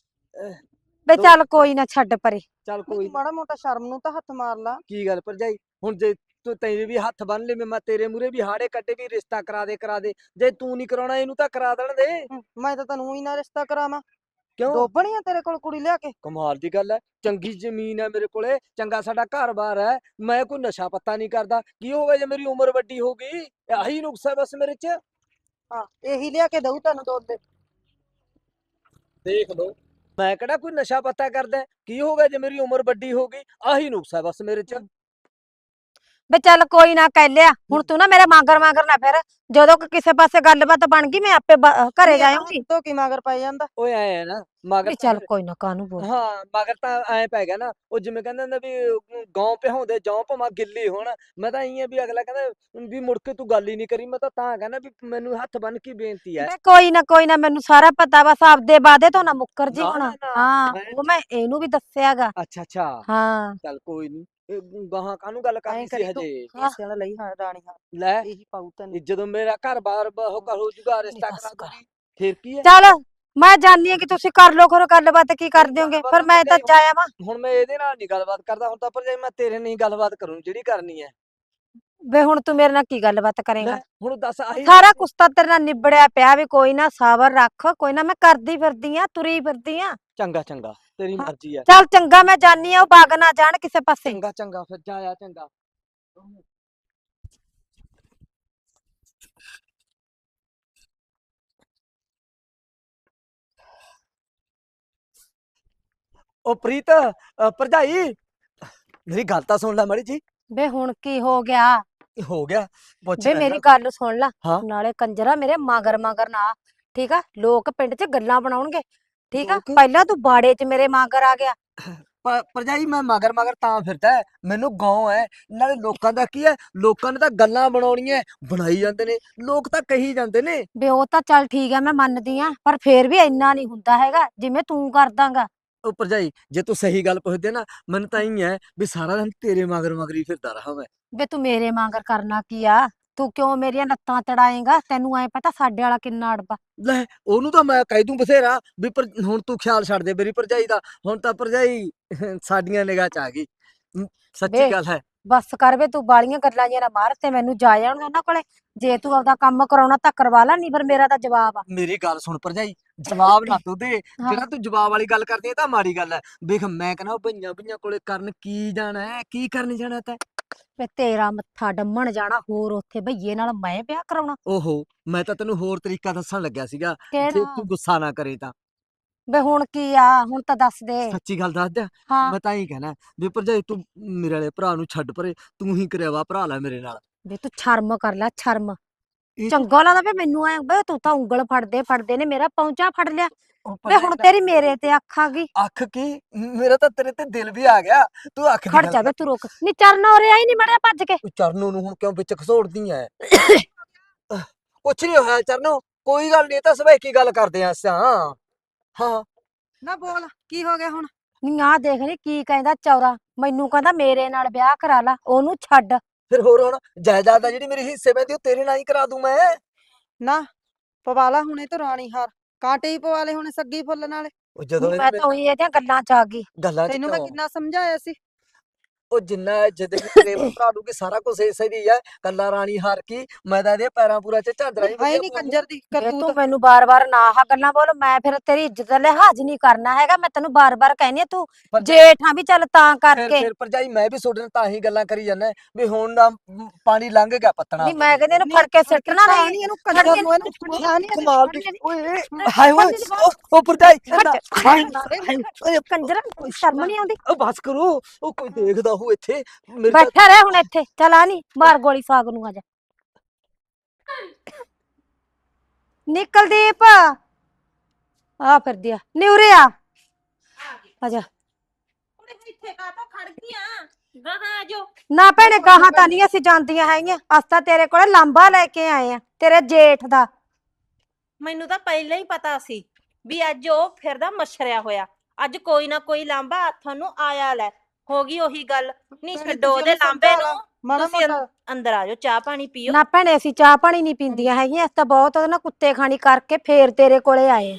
C: ਬੇ
A: ਦੋ-
C: ਚੱਲ ਕੋਈ ਨਾ, ਛੱਡ ਪਰੇ।
A: ਚੱਲ
B: ਨੀ
A: ਕੋਈ
B: ਤੂੰ ਮਾੜਾ ਮੋਟਾ ਸ਼ਰਮ ਨੂੰ ਤਾਂ ਹੱਥ ਮਾਰ ਲਾ।
A: ਕੀ ਗੱਲ ਭਰਜਾਈ, ਹੁਣ ਜੇ ਤੂੰ ਤੈਨੂੰ ਵੀ ਹੱਥ ਬੰਨ ਲੈ ਮੈਂ ਤੇਰੇ ਮੂਰੇ ਵੀ ਹਾੜੇ ਕੱਢੇ ਵੀ ਰਿਸ਼ਤਾ ਕਰਾ ਦੇ ਕਰਾ ਦੇ ਜੇ ਤੂੰ ਨਹੀਂ ਕਰਾਉਣਾ ਇਹਨੂੰ ਤਾਂ ਕਰਾ ਦੇਣ ਦੇ।
B: ਹੂੰ, ਮੈਂ ਤਾਂ ਤੈਨੂੰ ਹੀ ਨਾ ਰਿਸ਼ਤਾ ਕਰਾਵਾਂ।
A: ਕਿਉਂ
B: ਦੋਬਣੀ ਆ ਤੇਰੇ ਕੋਲ ਕੁੜੀ ਲਿਆ ਕੇ?
A: ਕਮਾਲ ਦੀ ਗੱਲ ਹੈ, ਚੰਗੀ ਜ਼ਮੀਨ ਹੈ ਮੇਰੇ ਕੋਲੇ, ਚੰਗਾ ਸਾਡਾ ਘਰ-ਬਾਰ ਹੈ, ਮੈਂ ਕੋਈ ਨਸ਼ਾ ਪੱਤਾ ਨਹੀਂ ਕਰਦਾ, ਕੀ ਹੋਵੇ ਜੇ ਮੇਰੀ ਉਮਰ ਵੱਡੀ ਹੋ ਗਈ? ਆਹੀ ਨੁਕਸ ਹੈ ਬਸ ਮੇਰੇ 'ਚ।
B: ਹਾਂ ਇਹੀ ਲਿਆ ਕੇ ਦਊ ਤੈਨੂੰ ਦੁੱਧ।
A: ਦੇਖ ਲਓ ਮੈਂ ਕਿਹੜਾ ਕੋਈ ਨਸ਼ਾ ਪੱਤਾ ਕਰਦਾ, ਕੀ ਹੋ ਗਿਆ ਜੇ ਮੇਰੀ ਉਮਰ ਵੱਡੀ ਹੋ ਗਈ? ਆਹੀ ਨੁਕਸ ਹੈ ਬਸ ਮੇਰੇ 'ਚ।
C: ਵੇ ਚੱਲ ਕੋਈ ਨਾ ਕਹਿ ਲਿਆ ਹੁਣ ਤੂੰ ਨਾ ਮੇਰੇ ਮਾਂਗਰ ਮਾਂਗਰ ਨਾ ਫਿਰ ਜਦੋਂ ਕੋਈ ਕਿਸੇ ਪਾਸੇ ਗੱਲਬਾਤ ਬਣ ਗਈ ਮੈਂ ਆਪੇ ਬ- ਘਰੇ ਜਾਊਂਗੀ।
B: ਤੋ ਕੀ ਮਗਰ ਪੈ ਜਾਂਦਾ?
A: ਓਏ ਐ ਹੈ ਨਾ ਮਗਰ
C: ਵੀ
A: ਤਾਂ
C: ਚੱਲ ਕੋਈ ਨਾ ਕਾਹਨੂੰ ਬੋਲ।
A: ਹਾਂ ਮਗਰ ਤਾਂ ਐ ਪੈ ਗਿਆ ਨਾ, ਉਹ ਜਿਵੇਂ ਕਹਿੰਦੇ ਹੁੰਦੇ ਵੀ ਗਾਂ ਪਿਹਾਉਂਦੇ ਜੌਂ ਭਾਵੇਂ ਗਿੱਲੀ ਹੋਣ। ਮੈਂ ਤਾਂ ਇਹੀ ਆ ਵੀ ਅਗਲਾ ਕਹਿੰਦਾ ਵੀ ਮੁੜ ਕੇ ਤੂੰ ਗੱਲ ਹੀ ਨਹੀਂ ਕਰੀ, ਮੈਂ ਤਾਂ ਤਾਂ ਕਹਿੰਦਾ ਵੀ ਮੈਨੂੰ ਹੱਥ ਬੰਨ ਕੇ ਬੇਨਤੀ ਹੈ।
C: ਵੇ ਕੋਈ ਨਾ ਕੋਈ ਨਾ ਮੈਨੂੰ ਸਾਰਾ ਪਤਾ ਬਸ ਆਪਦੇ ਵਾਦੇ ਤੋਂ ਨਾ ਮੁੱਕਰ ਜੀ
A: ਨਾ,
C: ਹੁਣ।
A: ਨਾ, ਨਾ,
C: ਹਾਂ
A: ਮੈਂ-
C: ਉਹ ਮੈਂ ਇਹਨੂੰ ਵੀ ਦੱਸਿਆਗਾ।
A: ਅੱਛਾ ਅੱਛਾ
C: ਹਾਂ
A: ਚੱਲ ਕੋਈ ਨਹੀਂ, ਗਾਹਾਂ ਕਾਹਨੂੰ ਗੱਲ ਕਰਨੀ ਸੀ
B: ਕਰੀ ਤੂੰ।
A: ਹਜੇ?
B: ਹਿੱਸਿਆਂ ਦਾ ਲਈ ਹਾਂ ਰਾਣੀ ਹਾਂ
A: ਲੈ
B: ਇਹੀ ਪਾਉ ਤੈਨੂੰ।
A: ਇਹ ਜਦੋਂ ਮੇਰਾ ਘਰ ਬਾਰ ਉਹ ਕਰ ਹੋ ਜੂਗਾ ਰਿਸ਼ਤਾ
C: ਬਸ
A: ਕਰਾ
C: ਕਰ।
A: ਦੂਗੀ ਫਿਰ ਕੀ ਹੈ?
C: ਚੱਲ ਮੈਂ ਜਾਣਦੀ ਆ ਕਿ ਤੁਸੀਂ ਕਰ ਲੋ ਕਰੋ ਗੱਲਬਾਤ ਕੀ ਕਰਦੇ ਹੋਗੇ ਪਰ ਮੈਂ ਤਾਂ ਜਾਇਆ ਵਾਂ।
A: ਹੁਣ ਮੈਂ ਇਹਦੇ ਨਾਲ ਨਹੀਂ ਗੱਲਬਾਤ ਕਰਦਾ, ਹੁਣ ਤਾਂ ਪਰ ਜੇ ਮੈਂ ਤੇਰੇ ਨਾਲ ਹੀ ਗੱਲਬਾਤ ਕਰੂੰ ਜਿਹੜੀ ਕਰਨੀ ਹੈ।
C: ਵੇ ਹੁਣ ਤੂੰ ਮੇਰੇ ਨਾਲ ਕੀ ਗੱਲਬਾਤ ਕਰੇਗਾ?
A: ਲੈ ਹੁਣ ਦੱਸ ਆਹੀ
C: ਸਾਰਾ ਕੁਛ ਤਾਂ ਤੇਰੇ ਨਾਲ ਨਿਬੜਿਆ ਪਿਆ ਵੀ ਕੋਈ ਨਾ ਸਬਰ ਰੱਖ ਕੋਈ ਨਾ ਮੈਂ ਕਰਦੀ ਫਿਰਦੀ ਆ ਤੁਰੀ ਫਿਰਦੀ ਆ।
A: ਚੰਗਾ ਚੰਗਾ ਤੇਰੀ
C: ਹਾਂ।
A: ਮਰਜ਼ੀ ਹੈ।
C: ਚੱਲ ਚੰਗਾ ਮੈਂ ਜਾਨੀ ਆ ਉਹ ਬਾਗ ਨਾ ਜਾਣ ਕਿਸੇ ਪਾਸੇ।
A: ਚੰਗਾ ਚੰਗਾ ਫਿਰ ਜਾਇਆ ਚੰਗਾ। ਉਹ ਪ੍ਰੀਤ ਅ, ਭਰਜਾਈ ਮੇਰੀ ਗੱਲ ਤਾਂ ਸੁਣ ਲੈ ਮਾੜੀ ਜੀ।
C: ਵੇ ਹੁਣ ਕੀ ਹੋ ਗਿਆ?
A: ਹੋ ਗਿਆ ਪੁੱਛ
C: ਵੇ
A: ਲੈਨਾ।
C: ਮੇਰੀ ਗੱਲ ਸੁਣ ਲਾ
A: ਹਾਂ।
C: ਨਾਲੇ ਕੰਜਰਾ ਮੇਰੇ ਮਗਰ ਮਗਰ ਨਾ ਠੀਕ ਆ ਲੋਕ ਪਿੰਡ 'ਚ ਗੱਲਾਂ ਬਣਾਉਣਗੇ ਠੀਕ ਆ।
A: ਲੋਕ?
C: ਪਹਿਲਾਂ ਤੂੰ ਬਾੜੇ 'ਚ ਮੇਰੇ ਮਗਰ ਆ ਗਿਆ।
A: ਪ- ਭਰਜਾਈ ਮੈਂ ਮਗਰ ਮਗਰ ਤਾਂ ਫਿਰਦਾ ਹੈ, ਮੈਨੂੰ ਗਾਉਂ ਹੈ ਨਾਲੇ ਲੋਕਾਂ ਦਾ ਕੀ ਹੈ, ਲੋਕਾਂ ਨੇ ਤਾਂ ਗੱਲਾਂ ਬਣਾਉਣੀਆਂ ਬਣਾਈ ਜਾਂਦੇ ਨੇ, ਲੋਕ ਤਾਂ ਕਹੀ ਜਾਂਦੇ ਨੇ।
C: ਵੇ ਉਹ ਤਾਂ ਚੱਲ ਠੀਕ ਆ ਮੈਂ ਮੰਨਦੀ ਆ ਪਰ ਫੇਰ ਵੀ ਇੰਨਾ ਨਹੀਂ ਹੁੰਦਾ ਹੈਗਾ ਜਿਵੇਂ ਤੂੰ ਕਰਦਾਂਗਾ।
A: ਉਹ ਭਰਜਾਈ ਜੇ ਤੂੰ ਸਹੀ ਗੱਲ ਪੁੱਛਦੇ ਨਾ ਮੈਨੂੰ ਤਾਂ ਹੀ ਹੈ ਵੀ ਸਾਰਾ ਦਿਨ ਤੇਰੇ ਮਗਰ ਮਗਰ ਹੀ ਫਿਰਦਾ ਰਹਾ ਮੈਂ।
C: ਵੇ ਤੂੰ ਮੇਰੇ ਮਗਰ ਕਰਨਾ ਕੀ ਆ? ਤੂੰ ਕਿਉਂ ਮੇਰੀਆਂ ਲੱਤਾਂ ਤੜਾਏਂਗਾ? ਤੈਨੂੰ ਐ ਪਤਾ ਸਾਡੇ ਵਾਲਾ ਕਿੰਨਾ ਅੜਬਾ।
A: ਲੈ ਉਹਨੂੰ ਤਾਂ ਮੈਂ ਕਹਿ ਦੂੰ ਬਥੇਰਾ ਵੀ ਪਰ ਹੁਣ ਤੂੰ ਖਿਆਲ ਛੱਡ ਦੇ ਮੇਰੀ ਭਰਜਾਈ ਦਾ, ਹੁਣ ਤਾਂ ਭਰਜਾਈ ਸਾਡੀਆਂ ਨਿਗਾਹ ਚ ਆ ਗਈ। ਹਮ, ਸੱਚੀ
C: ਵੇ
A: ਗੱਲ ਹੈ।
C: ਬਸ ਕਰ ਵੇ ਤੂੰ ਬਾਲੀਆਂ ਗੱਲਾਂ ਜਿਹੀਆਂ ਨਾ ਮਾਰ ਤੇ ਮੈਨੂੰ ਜਾ ਜਾਣ ਉਹਨਾਂ ਕੋਲੇ। ਜੇ ਤੂੰ ਆਪਦਾ ਕੰਮ ਕਰਾਉਣਾ ਤਾਂ ਕਰਵਾ ਲੈ ਨਹੀਂ ਫਿਰ ਮੇਰਾ ਤਾਂ ਜਵਾਬ ਆ।
A: ਮੇਰੀ ਗੱਲ ਸੁਣ ਭਰਜਾਈ, ਜਵਾਬ ਨਾ ਤੂੰ ਦੇ,
C: ਹਾਂ।
A: ਜਿਹੜਾ ਤੂੰ ਜਵਾਬ ਵਾਲੀ ਗੱਲ ਕਰਦੀ ਹੈ ਤਾਂ ਮਾੜੀ ਗੱਲ ਹੈ। ਵੇਖ ਮੈਂ ਕਹਿੰਦਾ ਉਹ ਭਈਆਂ ਭਈਆਂ ਕੋਲੇ ਕਰਨ ਕੀ ਜਾਣਾ ਹੈ, ਕੀ ਕਰਨ ਜਾਣਾ ਤੈਂ?
C: ਵੇ ਤੇਰਾ ਮੱਥਾ ਡੰਮਣ ਜਾਣਾ ਹੋਰ ਉੱਥੇ ਭਈਏ ਨਾਲ ਮੈਂ ਵਿਆਹ ਕਰਾਉਣਾ?
A: ਓਹੋ ਮੈਂ ਤਾਂ ਤੈਨੂੰ ਹੋਰ ਤਰੀਕਾ ਦੱਸਣ ਲੱਗਿਆ ਸੀਗਾ, ਜੇ
C: ਕਿਹੜਾ?
A: ਤੂੰ ਗੁੱਸਾ ਨਾ ਕਰੇ ਤਾਂ।
C: ਵੇ ਹੁਣ ਕੀ ਆ ਹੁਣ ਤਾਂ ਦੱਸ ਦੇ।
A: ਸੱਚੀ ਗੱਲ ਦੱਸ ਦਿਆਂ,
C: ਹਾਂ
A: ਮੈਂ ਤਾਂ ਹੀ ਕਹਿਣਾ ਵੀ ਭਰਜਾਈ ਤੂੰ ਮੇਰੇ ਵਾਲੇ ਭਰਾ ਨੂੰ ਛੱਡ ਪਰੇ, ਤੂੰ ਹੀ ਕਰਿਆ ਵਾ ਭਰਾ ਲੈ ਮੇਰੇ ਨਾਲ।
C: ਵੇ ਤੂੰ ਸ਼ਰਮ ਕਰ ਲੈ ਸ਼ਰਮ।
A: ਇਹ
C: ਚੰਗਾ ਲੱਗਦਾ ਵੇ ਮੈਨੂੰ ਐ ਵੇ ਤੂੰ ਤਾਂ ਉਂਗਲ ਫੜਦੇ ਫੜਦੇ ਨੇ ਮੇਰਾ ਪੌਂਚਾ ਫੜ ਲਿਆ।
A: ਉਹ
C: ਵੇ
A: ਭਰਜਾਈ
C: ਹੁਣ
A: ਦਾ
C: ਤੇਰੀ ਮੇਰੇ ਤੇ ਅੱਖ ਆ ਗਈ।
A: ਅੱਖ ਕੀ, ਮੇਰਾ ਤਾਂ ਤੇਰੇ ਤੇ ਦਿਲ ਵੀ ਆ ਗਿਆ, ਤੂੰ ਅੱਖ ਦੀ
C: ਖੜ
A: ਗੱਲ
C: ਜਾ ਵੇ
A: ਕਰ।
C: ਤੂੰ ਰੁਕ ਨੀ ਚਰਨ ਹੋ ਰਿਹਾ ਹੀ ਨਹੀਂ ਮੜਿਆ ਭੱਜ ਕੇ।
A: ਤੂੰ ਚਰਨੋਂ ਨੂੰ ਹੁਣ ਕਿਉਂ ਵਿੱਚ ਘਸੋੜਦੀ ਐ? ਕੁਛ ਨਹੀਂ ਹੋਇਆ ਚਰਨੋਂ, ਕੋਈ ਗੱਲ ਨਹੀਂ, ਇਹ ਤਾਂ ਸਵੇਕੀ ਗੱਲ ਕਰਦੇ ਆਂ ਅਸਾਂ। ਹਾਂ
B: ਨਾ ਬੋਲ ਕੀ ਹੋ ਗਿਆ ਹੁਣ?
C: ਨੀ ਆਹ ਦੇਖ ਨੀ ਕੀ ਕਹਿੰਦਾ ਚੌਰਾ ਮੈਨੂੰ ਕਹਿੰਦਾ ਮੇਰੇ ਨਾਲ ਵਿਆਹ ਕਰਾ ਲਾ ਉਹਨੂੰ ਛੱਡ।
A: ਫਿਰ ਹੋਰ ਹੁਣ ਜਾਇਦਾਦ ਆ ਜਿਹੜੀ ਮੇਰੇ ਹਿੱਸੇ ਪੈਂਦੀ ਉਹ ਤੇਰੇ ਨਾਲ ਹੀ ਕਰਾ ਦੂੰ ਮੈਂ।
B: ਨਾ ਪਵਾ ਲਾ ਹੁਣੇ ਤੇ ਰਾਣੀ ਹਾਰ, ਕਾਂਟੇ ਹੀ ਪਵਾ ਲੈ ਹੁਣੇ ਸੱਗੀ ਫੁੱਲ ਨਾਲੇ।
A: ਉਹ ਜਦੋਂ
C: ਮੈਂ ਤਾਂ ਉਹੀ ਇਹਦੀਆਂ ਗੱਲਾਂ ਚ ਆ ਗਈ।
A: ਗੱਲਾਂ ਚ
B: ਤੈਨੂੰ ਮੈਂ
A: ਕਿਉਂ?
B: ਕਿੰਨਾ ਸਮਝਾਇਆ ਸੀ।
A: ਉਹ ਜਿੰਨਾ ਜਿੱਦ ਤੇਰੇ ਭਰਾ ਨੂੰ ਕਿ ਸਾਰਾ ਕੁਝ ਇਸੇ ਦੀ ਹੈ, ਕੱਲਾ ਰਾਣੀ ਹਾਰ ਕੀ, ਮੈਂ ਤਾਂ ਇਹਦੇ ਪੈਰਾਂ ਪੂਰਾ ਚ ਝਾਂਦਰਾ ਹੀ
B: ਹੈ
A: ਵਧੀਆ
B: ਨਹੀਂ
A: ਪਵਾ ਲੂੰ।
B: ਕੰਜਰ ਦੀ
C: ਵੇ ਤੂੰ
B: ਕਰਤੂਤ।
C: ਮੈਨੂੰ ਬਾਰ-ਬਾਰ ਨਾ ਆਹ ਗੱਲਾਂ ਬੋਲ ਮੈਂ ਫਿਰ ਤੇਰੀ ਇੱਜ਼ਤ ਦਾ ਲਿਹਾਜ਼ ਨਹੀਂ ਕਰਨਾ ਹੈਗਾ। ਮੈਂ ਤੈਨੂੰ ਬਾਰ-ਬਾਰ ਕਹਿੰਦੀ ਆ ਤੂੰ
A: ਪਰ
C: ਜੇਠਾਂ ਵੀ ਚੱਲ ਤਾਂ
A: ਫਿਰ
C: ਕਰਕੇ।
A: ਫਿਰ ਭਰਜਾਈ ਮੈਂ ਵੀ ਤੁਹਾਡੇ ਨਾਲ ਤਾਂ ਹੀ ਗੱਲਾਂ ਕਰੀ ਜਾਂਦਾ ਵੀ ਹੁਣ ਨਾ ਮ, ਪਾਣੀ ਲੰਘ ਗਿਆ ਪੱਤਣਾ।
C: ਨਹੀਂ ਮੈਂ ਕਹਿੰਦੀ ਇਹਨੂੰ ਫੜ ਕੇ ਸਿੱਟਣਾ
B: ਨਹੀਂ
C: ਨਹੀਂ।
B: ਇਹਨੂੰ
C: ਫੜ
B: ਕੰਜਰ
C: ਕੇ
B: ਨੂੰ ਇਹਨੂੰ ਪੁੱਛਿਆ ਨਹੀਂ ਇਹਨੇ।
A: ਕਮਾਲ ਦੀ ਓਏ ਹਾਏ ਓਏ
C: ਫੜ ਕੇ
A: ਉਹ- ਉਹ ਭਰਜਾਈ
C: ਫੜ
A: ਨਾ,
C: ਕੇ।
A: ਹਾਏ
C: ਹਾਏ,
A: ਓਏ
C: ਕੰਜਰ ਸ਼ਰਮ ਨਹੀਂ ਆਉਂਦੀ?
A: ਉਹ ਬਸ ਕਰੋ, ਉਹ ਕੋਈ ਦੇਖਦਾ ਹੋ ਇੱਥੇ ਮੇਰੇ ਤਾਂ
C: ਬੈਠਾ ਰਹਿ ਹੁਣ ਇੱਥੇ ਚੱਲ ਆ ਨੀ ਮਾਰ ਗੋਲੀ ਸਾਗ ਨੂੰ ਆ ਜਾ। ਨਿਕਲਦੀਪ ਆ ਫਿਰਦੀ ਆ ਨਿਉਰੇ ਆ ਆ ਜਾ।
E: ਇੱਥੇ ਕਾਹਤੋਂ ਖੜ ਗਈਆਂ? ਗਾਹਾਂ ਜੋ
C: ਨਾ ਭੈਣੇ ਕਹਾਂ ਤਾਂ ਨਹੀਂ ਅਸੀਂ ਜਾਂਦੀਆਂ ਹੈਗੀਆਂ। ਅਸ ਤਾਂ ਤੇਰੇ ਕੋਲੇ ਲਾਂਬਾ ਲੈ ਕੇ ਆਏ ਆ ਤੇਰੇ ਜੇਠ ਦਾ।
E: ਮੈਨੂੰ ਤਾਂ ਪਹਿਲਾਂ ਹੀ ਪਤਾ ਸੀ ਵੀ ਅੱਜ ਉਹ ਫਿਰਦਾ ਮਛਰਿਆ ਹੋਇਆ। ਅੱਜ ਕੋਈ ਨਾ ਕੋਈ ਲਾਂਬਾ ਹੱਥਾਂ ਨੂੰ ਆਇਆ ਲੈ। ਹੋ ਗਈ ਉਹੀ ਗੱਲ। ਨਹੀਂ
B: ਭੈਣੇ
E: ਛੱਡੋ
B: ਤੁਸੀਂ
E: ਉਹਦੇ
B: ਉਹਨੂੰ
E: ਲਾਂਬੇ
B: ਸਮਝਾ ਲਾ,
E: ਨੂੰ।
B: ਮਾੜਾ
E: ਤੁਸੀਂ ਅੰ-
B: ਮੋਟਾ।
E: ਅੰਦਰ ਆ ਜਾਓ ਚਾਹ ਪਾਣੀ ਪੀਓ।
C: ਨਾ ਭੈਣੇ ਅਸੀਂ ਚਾਹ ਪਾਣੀ ਨਹੀਂ ਪੀਂਦੀਆਂ ਹੈਗੀਆਂ। ਅਸੀਂ ਤਾਂ ਬਹੁਤ ਉਹਦੇ ਨਾਲ ਕੁੱਤੇ ਖਾਣੀ ਕਰਕੇ ਫੇਰ ਤੇਰੇ ਕੋਲੇ ਆਏ ਆ।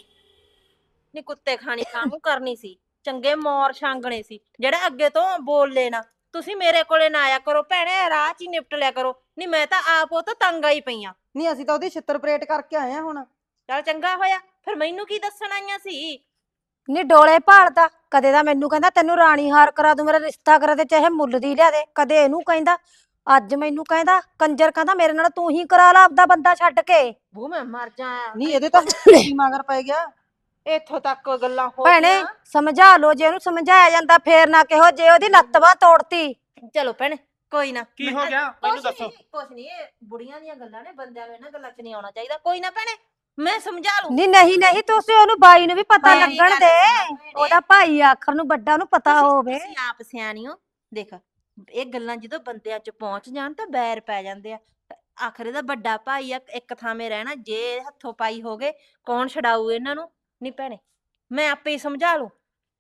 E: ਨਹੀਂ ਕੁੱਤੇ ਖਾਣੀ ਕਾਹਨੂੰ ਕਰਨੀ ਸੀ? ਚੰਗੇ ਮੋਰ ਛਾਂਗਣੇ ਸੀ ਜਿਹੜੇ ਅੱਗੇ ਤੋਂ ਬੋਲ ਲੈਣਾ ਤੁਸੀਂ ਮੇਰੇ ਕੋਲੇ ਨਾ ਆਇਆ ਕਰੋ ਭੈਣੇ, ਰਾਹ 'ਚ ਹੀ ਨਿਪਟ ਲਿਆ ਕਰੋ। ਨਹੀਂ ਮੈਂ ਤਾਂ ਆਪ ਉਹ ਤੋਂ ਤੰਗ ਆਈ ਪਈ ਆ।
B: ਨਹੀਂ ਅਸੀਂ ਤਾਂ ਉਹਦੀ ਛਿੱਤਰ ਪਰੇਡ ਕਰਕੇ ਆਏ ਆ ਹੁਣ।
E: ਚੱਲ ਚੰਗਾ ਹੋਇਆ, ਫਿਰ ਮੈਨੂੰ ਕੀ ਦੱਸਣ ਆਈਆਂ ਸੀ?
C: ਨੀ ਡੋਲੇ ਭਾਲਦਾ, ਕਦੇ ਤਾਂ ਮੈਨੂੰ ਕਹਿੰਦਾ ਤੈਨੂੰ ਰਾਣੀ ਹਾਰ ਕਰਾ ਦੂੰ, ਮੇਰਾ ਰਿਸ਼ਤਾ ਕਰਾ ਦੇ, ਚਾਹੇ ਮੁੱਲ ਦੀ ਲਿਆ ਦੇ। ਕਦੇ ਇਹਨੂੰ ਕਹਿੰਦਾ, ਅੱਜ ਮੈਨੂੰ ਕਹਿੰਦਾ ਕੰਜਰ, ਕਹਿੰਦਾ ਮੇਰੇ ਨਾਲ ਤੂੰ ਹੀ ਕਰਾ ਲਾ ਆਪਦਾ ਬੰਦਾ ਛੱਡ ਕੇ।
E: ਬੂ ਮੈਂ ਮਰ ਜਾ।
B: ਨਹੀਂ ਇਹਦੇ ਤਾਂ ਕੀ ਮਗਰ ਪੈ ਗਿਆ।
E: ਇੱਥੋਂ ਤੱਕ ਗੱਲਾਂ ਹੋ
C: ਭੈਣੇ
E: ਗਈਆਂ।
C: ਸਮਝਾ ਲੋ, ਜੇ ਉਹਨੂੰ ਸਮਝਾਇਆ ਜਾਂਦਾ ਫੇਰ ਨਾ ਕਿਹੋ, ਜੇ ਉਹਦੀ ਲੱਤ ਬਾਂਹ ਤੋੜਤੀ।
E: ਚਲੋ ਭੈਣੇ ਕੋਈ ਨਾ।
D: ਕੀ
E: ਮੈਂ-
D: ਹੋ ਗਿਆ ਮੈਨੂੰ
E: ਕੁਛ
D: ਦੱਸੋ।
E: ਨੀ, ਕੁਛ ਨਹੀਂ, ਇਹ ਬੁੜੀਆਂ ਦੀਆਂ ਗੱਲਾਂ ਨੇ, ਬੰਦਿਆਂ ਨੂੰ ਇਹਨਾਂ ਗੱਲਾਂ 'ਚ ਨਹੀਂ ਆਉਣਾ ਚਾਹੀਦਾ। ਕੋਈ ਨਾ ਭੈਣੇ ਮੈਂ ਸਮਝਾ ਲੂੰ।
C: ਨਹੀਂ ਨਹੀਂ ਨਹੀਂ, ਤੁਸੀਂ ਉਹਨੂੰ ਬਾਈ ਨੂੰ ਵੀ ਪਤਾ
E: ਮੇਰੀ
C: ਲੱਗਣ
E: ਗੱਲ
C: ਦੇ,
E: ਸੁਣੋ ਭੈਣੇ।
C: ਉਹਦਾ ਭਾਈ ਆਖਰ ਨੂੰ ਵੱਡਾ ਉਹਨੂੰ ਪਤਾ
E: ਤੁਸੀਂ-
C: ਹੋਵੇ।
E: ਤੁਸੀਂ ਆਪ ਸਿਆਣੀ ਹੋ। ਦੇਖ ਇਹ ਗੱਲਾਂ ਜਦੋਂ ਬੰਦਿਆਂ 'ਚ ਪਹੁੰਚ ਜਾਣ ਤਾਂ ਬੈਰ ਪੈ ਜਾਂਦੇ ਆ। ਆਖਰ ਇਹਦਾ ਵੱਡਾ ਭਾਈ ਆ, ਇੱਕ ਥਾਵੇਂ ਰਹਿਣਾ, ਜੇ ਹੱਥੋਂ ਪਾਈ ਹੋ ਗਏ ਕੌਣ ਛਡਾਊ ਇਹਨਾਂ ਨੂੰ? ਨਹੀਂ ਭੈਣੇ ਮੈਂ ਆਪੇ ਹੀ ਸਮਝਾ ਲੂੰ।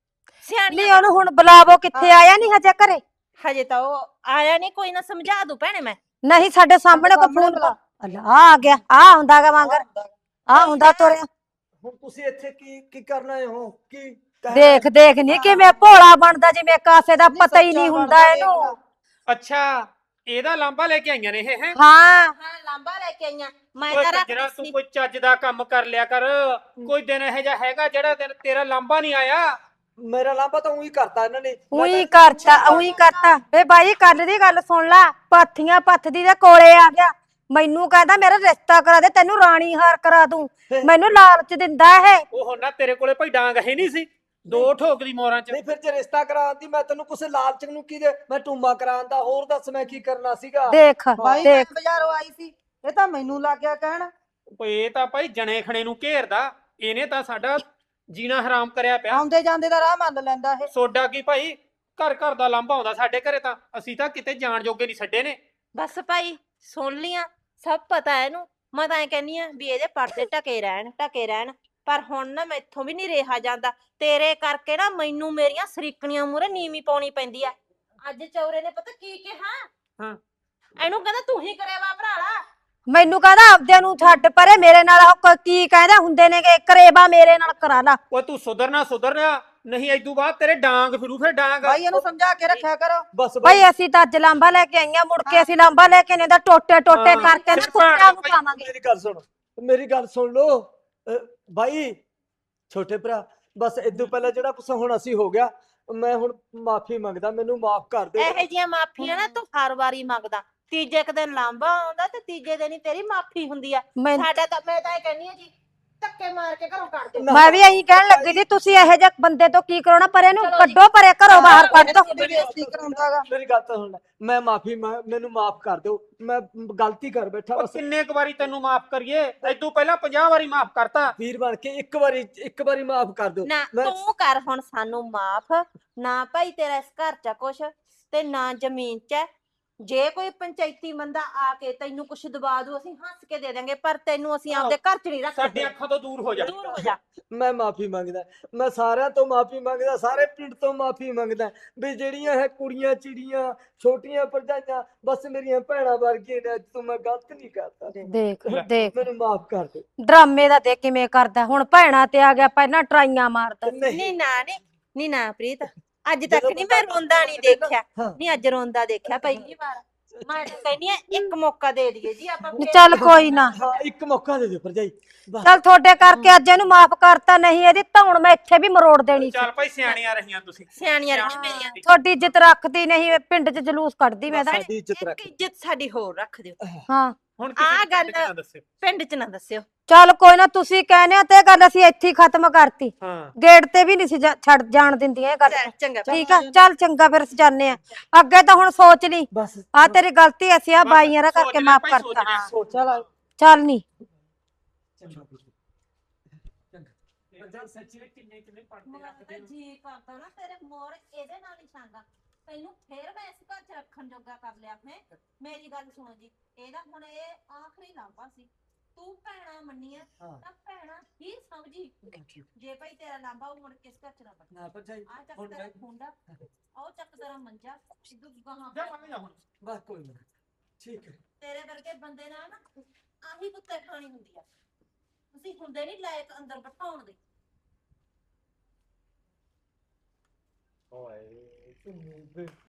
E: ਸਿਆਣੀ
C: ਨਹੀਂ ਉਹਨੂੰ ਹੁਣ ਬੁਲਾਵੋ, ਕਿੱਥੇ ਆਇਆ ਨਹੀਂ ਹਜੇ ਘਰੇ?
E: ਹਜੇ ਤਾਂ ਉਹ ਆਇਆ ਨਹੀਂ, ਕੋਈ ਨਾ ਸਮਝਾ ਦੂ ਭੈਣੇ ਮੈਂ।
C: ਨਹੀਂ ਸਾਡੇ ਸਾਹਮਣੇ ਕੋ
B: ਸਾਹਮਣੇ
C: ਫੋਨ
B: ਬੁਲਾ।
C: ਅੱਲਾ ਆ ਗਿਆ, ਆ ਹੁੰਦਾ ਗਾ ਵਾਂਗਰ, ਆ ਹੁੰਦਾ ਤੁਰਿਆ।
A: ਹੁਣ ਤੁਸੀਂ ਇੱਥੇ ਕੀ ਕੀ ਕਰਨ ਆਏ ਹੋ? ਕੀ ਕਹਿਣਾ?
C: ਦੇਖ ਦੇਖ ਨਹੀਂ ਕਿਵੇਂ ਭੋਲਾ ਬਣਦਾ, ਜਿਵੇਂ ਕਾਸੇ ਦਾ ਪਤਾ ਹੀ
B: ਸੱਚਾ
C: ਨਹੀਂ ਹੁੰਦਾ
B: ਬਣਦਾ
C: ਇਹਨੂੰ।
D: ਅੱਛਾ ਇਹਦਾ ਲਾਂਬਾ ਲੈ ਕੇ ਆਈਆਂ ਨੇ ਇਹ ਹੈ।
C: ਹਾਂ
E: ਹਾਂ ਲਾਂਬਾ ਲੈ ਕੇ ਆਈਆਂ ਮੈਂ
D: ਓਏ
E: ਤਾਂ
D: ਜਿਹੜਾ
E: ਰੱਖ
D: ਤੂੰ ਕੋਈ ਚੱਜ ਦਾ ਕੰਮ ਕਰ ਲਿਆ ਕਰ। ਕੋਈ ਦਿਨ ਇਹੋ ਜਿਹਾ ਹੈਗਾ ਜਿਹੜਾ ਤੇਰਾ- ਤੇਰਾ ਲਾਂਬਾ ਨਹੀਂ ਆਇਆ?
A: ਮੇਰਾ ਲਾਂਭਾ ਤਾਂ ਉਹੀ ਕਰਤਾ ਇਹਨਾਂ ਨੇ। ਮੈਂ
C: ਉਹੀ
A: ਤਾਂ-
C: ਕਰਤਾ ਉਹੀ ਕਰਤਾ ਵੇ ਬਾਈ, ਕੱਲ ਦੀ ਗੱਲ ਸੁਣ ਲਾ, ਪਾਥੀਆਂ ਪੱਥਦੀ ਦੇ ਕੋਲੇ ਆ ਗਿਆ, ਮੈਨੂੰ ਕਹਿੰਦਾ ਮੇਰਾ ਰਿਸ਼ਤਾ ਕਰਾ ਦੇ, ਤੈਨੂੰ ਰਾਣੀ ਹਾਰ ਕਰਾ ਦੂੰ। ਮੈਨੂੰ ਲਾਲਚ ਦਿੰਦਾ ਇਹ।
D: ਉਹ ਹੁਣ ਨਾ ਤੇਰੇ ਕੋਲੇ ਭਾਈ ਡਾਂਗ ਹੈ ਨਹੀਂ ਸੀ, ਦੋ ਠੋਕਦੀ ਮੋਰਾਂ 'ਚ।
A: ਨਹੀਂ ਫਿਰ ਜੇ ਰਿਸ਼ਤਾ ਕਰਾਉਂਦੀ ਮੈਂ ਤੈਨੂੰ ਕੁਛ ਲਾਲਚ ਨੂੰ ਕੀ ਦੇ, ਮੈਂ ਟੂਮਾ ਕਰਾਉਂਦਾ, ਹੋਰ ਦੱਸ ਮੈਂ ਕੀ ਕਰਨਾ ਸੀਗਾ?
C: ਦੇਖ
B: ਬਾਈ ਮੈਂ
C: ਦੇਖ
B: ਬਾਜ਼ਾਰੋਂ ਆਈ ਸੀ, ਇਹ ਤਾਂ ਮੈਨੂੰ ਲੱਗ ਗਿਆ ਕਹਿਣ।
D: ਓਏ ਇਹ ਤਾਂ ਭਾਈ ਜਣੇ ਖਣੇ ਨੂੰ ਘੇਰਦਾ, ਇਹਨੇ ਤਾਂ ਸਾਡਾ ਜੀਣਾ ਹਰਾਮ ਕਰਿਆ ਪਿਆ।
B: ਆਉਂਦੇ ਜਾਂਦੇ ਦਾ ਰਾਹ ਮੰਨ ਲੈਂਦਾ ਇਹ।
D: ਸੋਡਾ ਕੀ ਭਾਈ, ਘਰ ਘਰ ਦਾ ਲਾਂਭਾ ਆਉਂਦਾ ਸਾਡੇ ਘਰੇ, ਤਾਂ ਅਸੀਂ ਤਾਂ ਕਿਤੇ ਜਾਣ ਜੋਗੇ ਨਹੀਂ ਛੱਡੇ ਨੇ।
E: ਬਸ ਭਾਈ ਸੁਣ ਲੀਆਂ, ਸਭ ਪਤਾ ਹੈ ਇਹਨੂੰ। ਮੈਂ ਤਾਂ ਐ ਕਹਿੰਨੀ ਆ ਵੀ ਇਹਦੇ ਪਰਦੇ ਢਕੇ ਰਹਿਣ, ਢਕੇ ਰਹਿਣ। ਪਰ ਹੁਣ ਨਾ ਮੈਥੋਂ ਵੀ ਨਹੀਂ ਰਿਹਾ ਜਾਂਦਾ, ਤੇਰੇ ਕਰਕੇ ਨਾ ਮੈਨੂੰ ਮੇਰੀਆਂ ਸਰੀਕਣੀਆਂ ਮੂਹਰੇ ਨੀਵੀਂ ਪਾਉਣੀ ਪੈਂਦੀ ਆ। ਅੱਜ ਚੌਰੇ ਨੇ ਪਤਾ ਕੀ ਕਿਹਾ?
D: ਹਾਂ।
E: ਇਹਨੂੰ ਕਹਿੰਦਾ ਤੂੰ ਹੀ ਕਰਿਆ ਵਾ ਭਰਾਲਾ।
C: ਮੈਨੂੰ ਕਹਿੰਦਾ ਆਪਦਿਆਂ ਨੂੰ ਛੱਡ ਪਰੇ, ਮੇਰੇ ਨਾਲ ਉਹ ਕ- ਕੀ ਕਹਿੰਦੇ ਹੁੰਦੇ ਨੇ ਕਿ ਕਰੇਬਾ ਮੇਰੇ ਨਾਲ ਕਰਾ ਲਾ।
D: ਓਏ ਤੂੰ ਸੁਧਰਨਾ ਸੁਧਰਨਾ, ਨਹੀਂ ਏਦੂ ਬਾਅਦ ਤੇਰੇ ਡਾਂਗ ਫਿਰੂ ਫਿਰ ਡਾਂਗ।
B: ਬਾਈ ਇਹਨੂੰ ਸਮਝਾ ਕੇ ਰੱਖਿਆ ਕਰੋ।
A: ਬਸ
C: ਭਾਈ ਅਸੀਂ ਤਾਂ ਅੱਜ ਲਾਂਬਾ ਲੈ ਕੇ ਆਈਆਂ, ਮੁੜ ਕੇ ਅਸੀਂ ਲਾਂਬਾ ਲੈ ਕੇ ਨੇ ਦਾ ਟੋਟੇ ਟੋਟੇ
D: ਹਾਂ।
C: ਕਰਕੇ ਨਾ
D: ਸਿਰ
C: ਕੁੱਤਿਆਂ ਨੂੰ
D: ਭਾਈ,
C: ਪਾਵਾਂਗੇ।
A: ਮੇਰੀ ਗੱਲ ਸੁਣ, ਮੇਰੀ ਗੱਲ ਸੁਣ ਲੋ ਬਾਈ, ਛੋਟੇ ਭਰਾ, ਬਸ ਇਦੋਂ ਪਹਿਲਾਂ ਜਿਹੜਾ ਕੁਛ ਹੁਣ ਅਸੀਂ ਹੋ ਗਿਆ, ਮੈਂ ਹੁਣ ਮਾਫੀ ਮੰਗਦਾ, ਮੈਨੂੰ ਮਾਫ ਕਰ ਦੇ।
E: ਇਹੋ ਜਿਹੀਆਂ ਮਾਫੀਆਂ ਨਾ ਤੂੰ ਹਰ ਵਾਰੀ ਮੰਗਦਾ। ਤੀਜੇ ਕੁ ਦਿਨ ਲਾਂਬਾ ਆਉਂਦਾ ਤੇ ਤੀਜੇ ਦਿਨ ਹੀ ਤੇਰੀ ਮਾਫੀ ਹੁੰਦੀ ਆ।
C: ਮੈਂ
E: ਸਾਡਾ ਤਾਂ ਮੈਂ ਤਾਂ ਇਹ ਕਹਿੰਨੀ ਆ ਜੀ, ਧੱਕੇ ਮਾਰ ਕੇ ਘਰੋਂ ਕੱਢ ਦਿਓ।
C: ਮੈਂ ਵੀ ਇਹੀ ਕਹਿਣ ਲੱਗੀ ਸੀ, ਤੁਸੀਂ ਇਹੋ ਜਿਹੇ ਬੰਦੇ ਤੋਂ ਕੀ ਕਰਾਉਣਾ, ਪਰ ਇਹਨੂੰ
E: ਚਲੋ ਜੀ।
C: ਕੱਢੋ ਪਰੇ, ਘਰੋਂ ਬਾਹਰ ਕੱਢ ਦੋ।
B: ਤੁਹਾਡੀ ਬੇਇੱਜ਼ਤੀ ਕਰਾਉਂਦਾਗਾ।
A: ਮੇਰੀ ਗੱਲ ਤਾਂ ਸੁਣ ਲੈ, ਮੈਂ ਮਾਫੀ ਮੈਨੂੰ ਮਾਫ ਕਰ ਦਿਓ, ਮੈਂ ਗਲਤੀ ਕਰ ਬੈਠਾ
D: ਓ
A: ਬਸ।
D: ਕਿੰਨੇ ਕੁ ਵਾਰੀ ਤੈਨੂੰ ਮਾਫ ਕਰੀਏ? ਏਦੂ ਪਹਿਲਾਂ ਪੰਜਾਹ ਵਾਰੀ ਮਾਫ ਕਰਤਾ।
A: ਵੀਰ ਬਣ ਕੇ ਇੱਕ ਵਾਰੀ ਇੱਕ ਵਾਰੀ ਮਾਫ ਕਰ ਦਿਓ।
E: ਨਾ
A: ਮੈਂ-
E: ਤੂੰ ਕਰ ਹੁਣ ਸਾਨੂੰ ਮਾਫ। ਨਾ ਭਾਈ ਤੇਰਾ ਇਸ ਘਰ ਚ ਆ ਕੁਛ, ਤੇ ਨਾ ਜ਼ਮੀਨ ਚ ਹੈ। ਜੇ ਕੋਈ ਪੰਚਾਇਤੀ ਬੰਦਾ ਆ ਕੇ ਤੈਨੂੰ ਕੁਛ ਦਬਾ ਦੂ, ਅਸੀਂ ਹੱਸ ਕੇ ਦੇ ਦਾਂਗੇ, ਪਰ ਤੈਨੂੰ ਅਸੀਂ ਆਪਦੇ ਘਰ ਚ ਨਹੀਂ
D: ਸਾਡੀ
E: ਰੱਖਦੇ।
D: ਅੱਖਾਂ ਤੋਂ ਦੂਰ ਹੋ ਜਾ।
E: ਦੂਰ ਹੋ ਜਾ।
A: ਮੈਂ ਮਾਫੀ ਮੰਗਦਾ, ਮੈਂ ਸਾਰਿਆਂ ਤੋਂ ਮਾਫੀ ਮੰਗਦਾ, ਸਾਰੇ ਪਿੰਡ ਤੋਂ ਮਾਫੀ ਮੰਗਦਾ ਵੀ ਜਿਹੜੀਆਂ ਇਹ ਕੁੜੀਆਂ ਚਿੜੀਆਂ ਛੋਟੀਆਂ ਭਰਜਾਈਆਂ ਬਸ ਮੇਰੀਆਂ ਭੈਣਾਂ ਵਰਗੀਆਂ ਨੇ, ਅੱਜ ਤੋਂ ਮੈਂ ਗਲਤ ਨਹੀਂ ਕਰਦਾ,
C: ਦੇਖ ਦੇਖ
A: ਮੈਨੂੰ ਮਾਫ ਕਰ ਦੇ।
C: ਡਰਾਮੇ ਦਾ ਦੇਖ ਕਿਵੇਂ ਕਰਦਾ, ਹੁਣ ਭੈਣਾਂ ਤੇ ਆ ਗਿਆ, ਪਹਿਲਾਂ ਟਰਾਈਆਂ ਮਾਰਦਾ।
E: ਨਹੀਂ ਨਾ ਨੀ ਨੀ ਨਾ ਪ੍ਰੀਤ, ਅੱਜ ਤੱਕ
A: ਜਦੋਂ
E: ਨਹੀਂ ਮੈਂ
A: ਬੰਦਾ
E: ਰੋਂਦਾ ਨਹੀਂ ਦੇਖਿਆ।
A: ਹਾਂ।
E: ਨਹੀਂ ਅੱਜ ਰੋਂਦਾ ਦੇਖਿਆ ਪਹਿਲੀ ਵਾਰ। ਮੈਂ ਤਾਂ ਕਹਿੰਦੀ ਆ ਇੱਕ ਮੌਕਾ ਦੇ ਦਈਏ ਜੀ ਆਪਾਂ
C: ਨੀ ਚੱਲ ਕੋਈ ਨਾ,
A: ਹਾਂ ਇੱਕ ਮੌਕਾ ਦੇ ਦਿਓ ਭਰਜਾਈ ਬਸ।
C: ਚੱਲ ਤੁਹਾਡੇ ਕਰਕੇ ਅੱਜ ਇਹਨੂੰ ਮਾਫ ਕਰਤਾ, ਨਹੀਂ ਇਹਦੀ ਧੌਣ ਮੈਂ ਇੱਥੇ ਵੀ ਮਰੋੜ ਦੇਣੀ ਸੀ।
D: ਚੱਲ ਭਾਈ ਸਿਆਣੀਆਂ ਰਹੀਆਂ ਤੁਸੀਂ।
E: ਸਿਆਣੀਆਂ ਰਹੀਆਂ ਮੇਰੀਆਂ।
C: ਤੁਹਾਡੀ ਇੱਜ਼ਤ ਰੱਖਦੀ ਨਹੀਂ, ਪਿੰਡ 'ਚ ਜਲੂਸ ਕੱਢਦੀ ਮੈਂ ਤਾਂ।
A: ਸਾਡੀ ਇੱਜ਼ਤ ਰੱਖ।
E: ਇੱਕ ਇੱਜ਼ਤ ਸਾਡੀ ਹੋਰ ਰੱਖ ਦਿਓ।
C: ਹਾਂ
D: ਹੁਣ
E: ਆਹ
D: ਕਿਸੇ
E: ਗੱਲ-
D: ਗੱਲ ਨਾ ਦੱਸਿਓ।
E: ਪਿੰਡ 'ਚ ਨਾ ਦੱਸਿਓ।
C: ਚੱਲ ਕੋਈ ਨਾ, ਤੁਸੀਂ ਕਹਿੰਦੇ ਹੋ ਤੇ ਇਹ ਗੱਲ ਅਸੀਂ ਇੱਥੇ ਹੀ ਖਤਮ ਕਰਤੀ।
D: ਹਾਂ
C: ਗੇਟ ਤੇ ਵੀ ਨਹੀਂ ਸੀ ਜਾ- ਛੱਡ ਜਾਣ ਦਿੰਦੀਆਂ ਇਹ ਗੱਲ।
E: ਚੱਲ, ਚੰਗਾ
C: ਠੀਕ ਆ, ਚੱਲ ਚੰਗਾ, ਫਿਰ ਅਸੀਂ ਜਾਂਦੇ ਆ। ਅੱਗੇ ਤਾਂ ਹੁਣ ਸੋਚ ਲਈ,
A: ਬਸ
C: ਆ ਤੇਰੀ ਗਲਤੀ, ਅਸੀਂ ਆ
D: ਬਸ
C: ਬਾਈਆਂ ਦਾ
D: ਸੋਚ
C: ਕਰਕੇ
D: ਲਿਆ
C: ਮਾਫ
D: ਭਾਈ, ਸੋਚ
C: ਕਰਤਾ।
D: ਲਿਆ।
C: ਹਾਂ
A: ਸੋਚਾ ਲਾ
C: ਚੱਲ ਨਹੀਂ
A: ਚੰਗਾ ਚੰਗਾ ਭਰਜਾਈ ਸੱਚੀ ਵਿੱਚ ਕਿੰਨੇ ਕਿੰਨੇ ਪੜਦੇ
E: ਮੇਰਾ
A: ਰੱਖਦੇ
E: ਤਾਂ
A: ਹੋ।
E: ਜੀ ਕਰਦਾ ਨਾ ਤੇਰੇ ਮੋਰ ਇਹਦੇ ਨਾਲ ਹੀ ਛਾਂਗਾ। ਤੈਨੂੰ ਫੇਰ ਮੈਂ ਇਸ ਘਰ 'ਚ ਰੱਖਣ ਜੋਗਾ ਕਰ ਲਿਆ ਮੈਂ। ਮੇਰੀ ਗੱਲ ਸੁਣੋ ਜੀ, ਇਹਦਾ ਹੁਣ ਇਹ ਆਖਰੀ ਲਾਂਭਾ ਸੀ। ਤੂੰ ਭੈਣਾ ਮੰਨੀਆਂ
A: ਹਾਂ।
E: ਤਾਂ ਭੈਣਾ ਹੀ ਸਮਝੀ। ਜੇ ਭਾਈ ਤੇਰਾ ਲਾਂਭਾ ਉਹ ਮੁੜ ਕੇ ਇਸ ਘਰ 'ਚ ਨਾ ਬਣੇ।
A: ਨਾ ਭਰਜਾਈ
E: ਆ ਚੱਕ
A: ਹੁਣ
E: ਤੇਰਾ
A: ਮੈਂ
E: ਖੁੰਡਾ, ਉਹ ਚੱਕ ਤੇਰਾ ਮੰਜਾ, ਸਿੱਧੂ ਗਾਹਾਂ
D: ਜਾ ਮੰਨ ਜਾ ਹੁਣ।
A: ਬਸ ਕੋਈ ਨਾ, ਠੀਕ ਹੈ।
E: ਤੇਰੇ ਵਰਗੇ ਬੰਦੇ ਨਾਲ ਨਾ ਆਹੀ ਕੁੱਤੇ ਖਾਣੀ ਹੁੰਦੀ ਆ। ਤੁਸੀਂ ਹੁੰਦੇ ਨਹੀਂ ਲਾਇਕ ਅੰਦਰ ਬਿਠਾਉਣ ਦੇ।
A: ਓਏ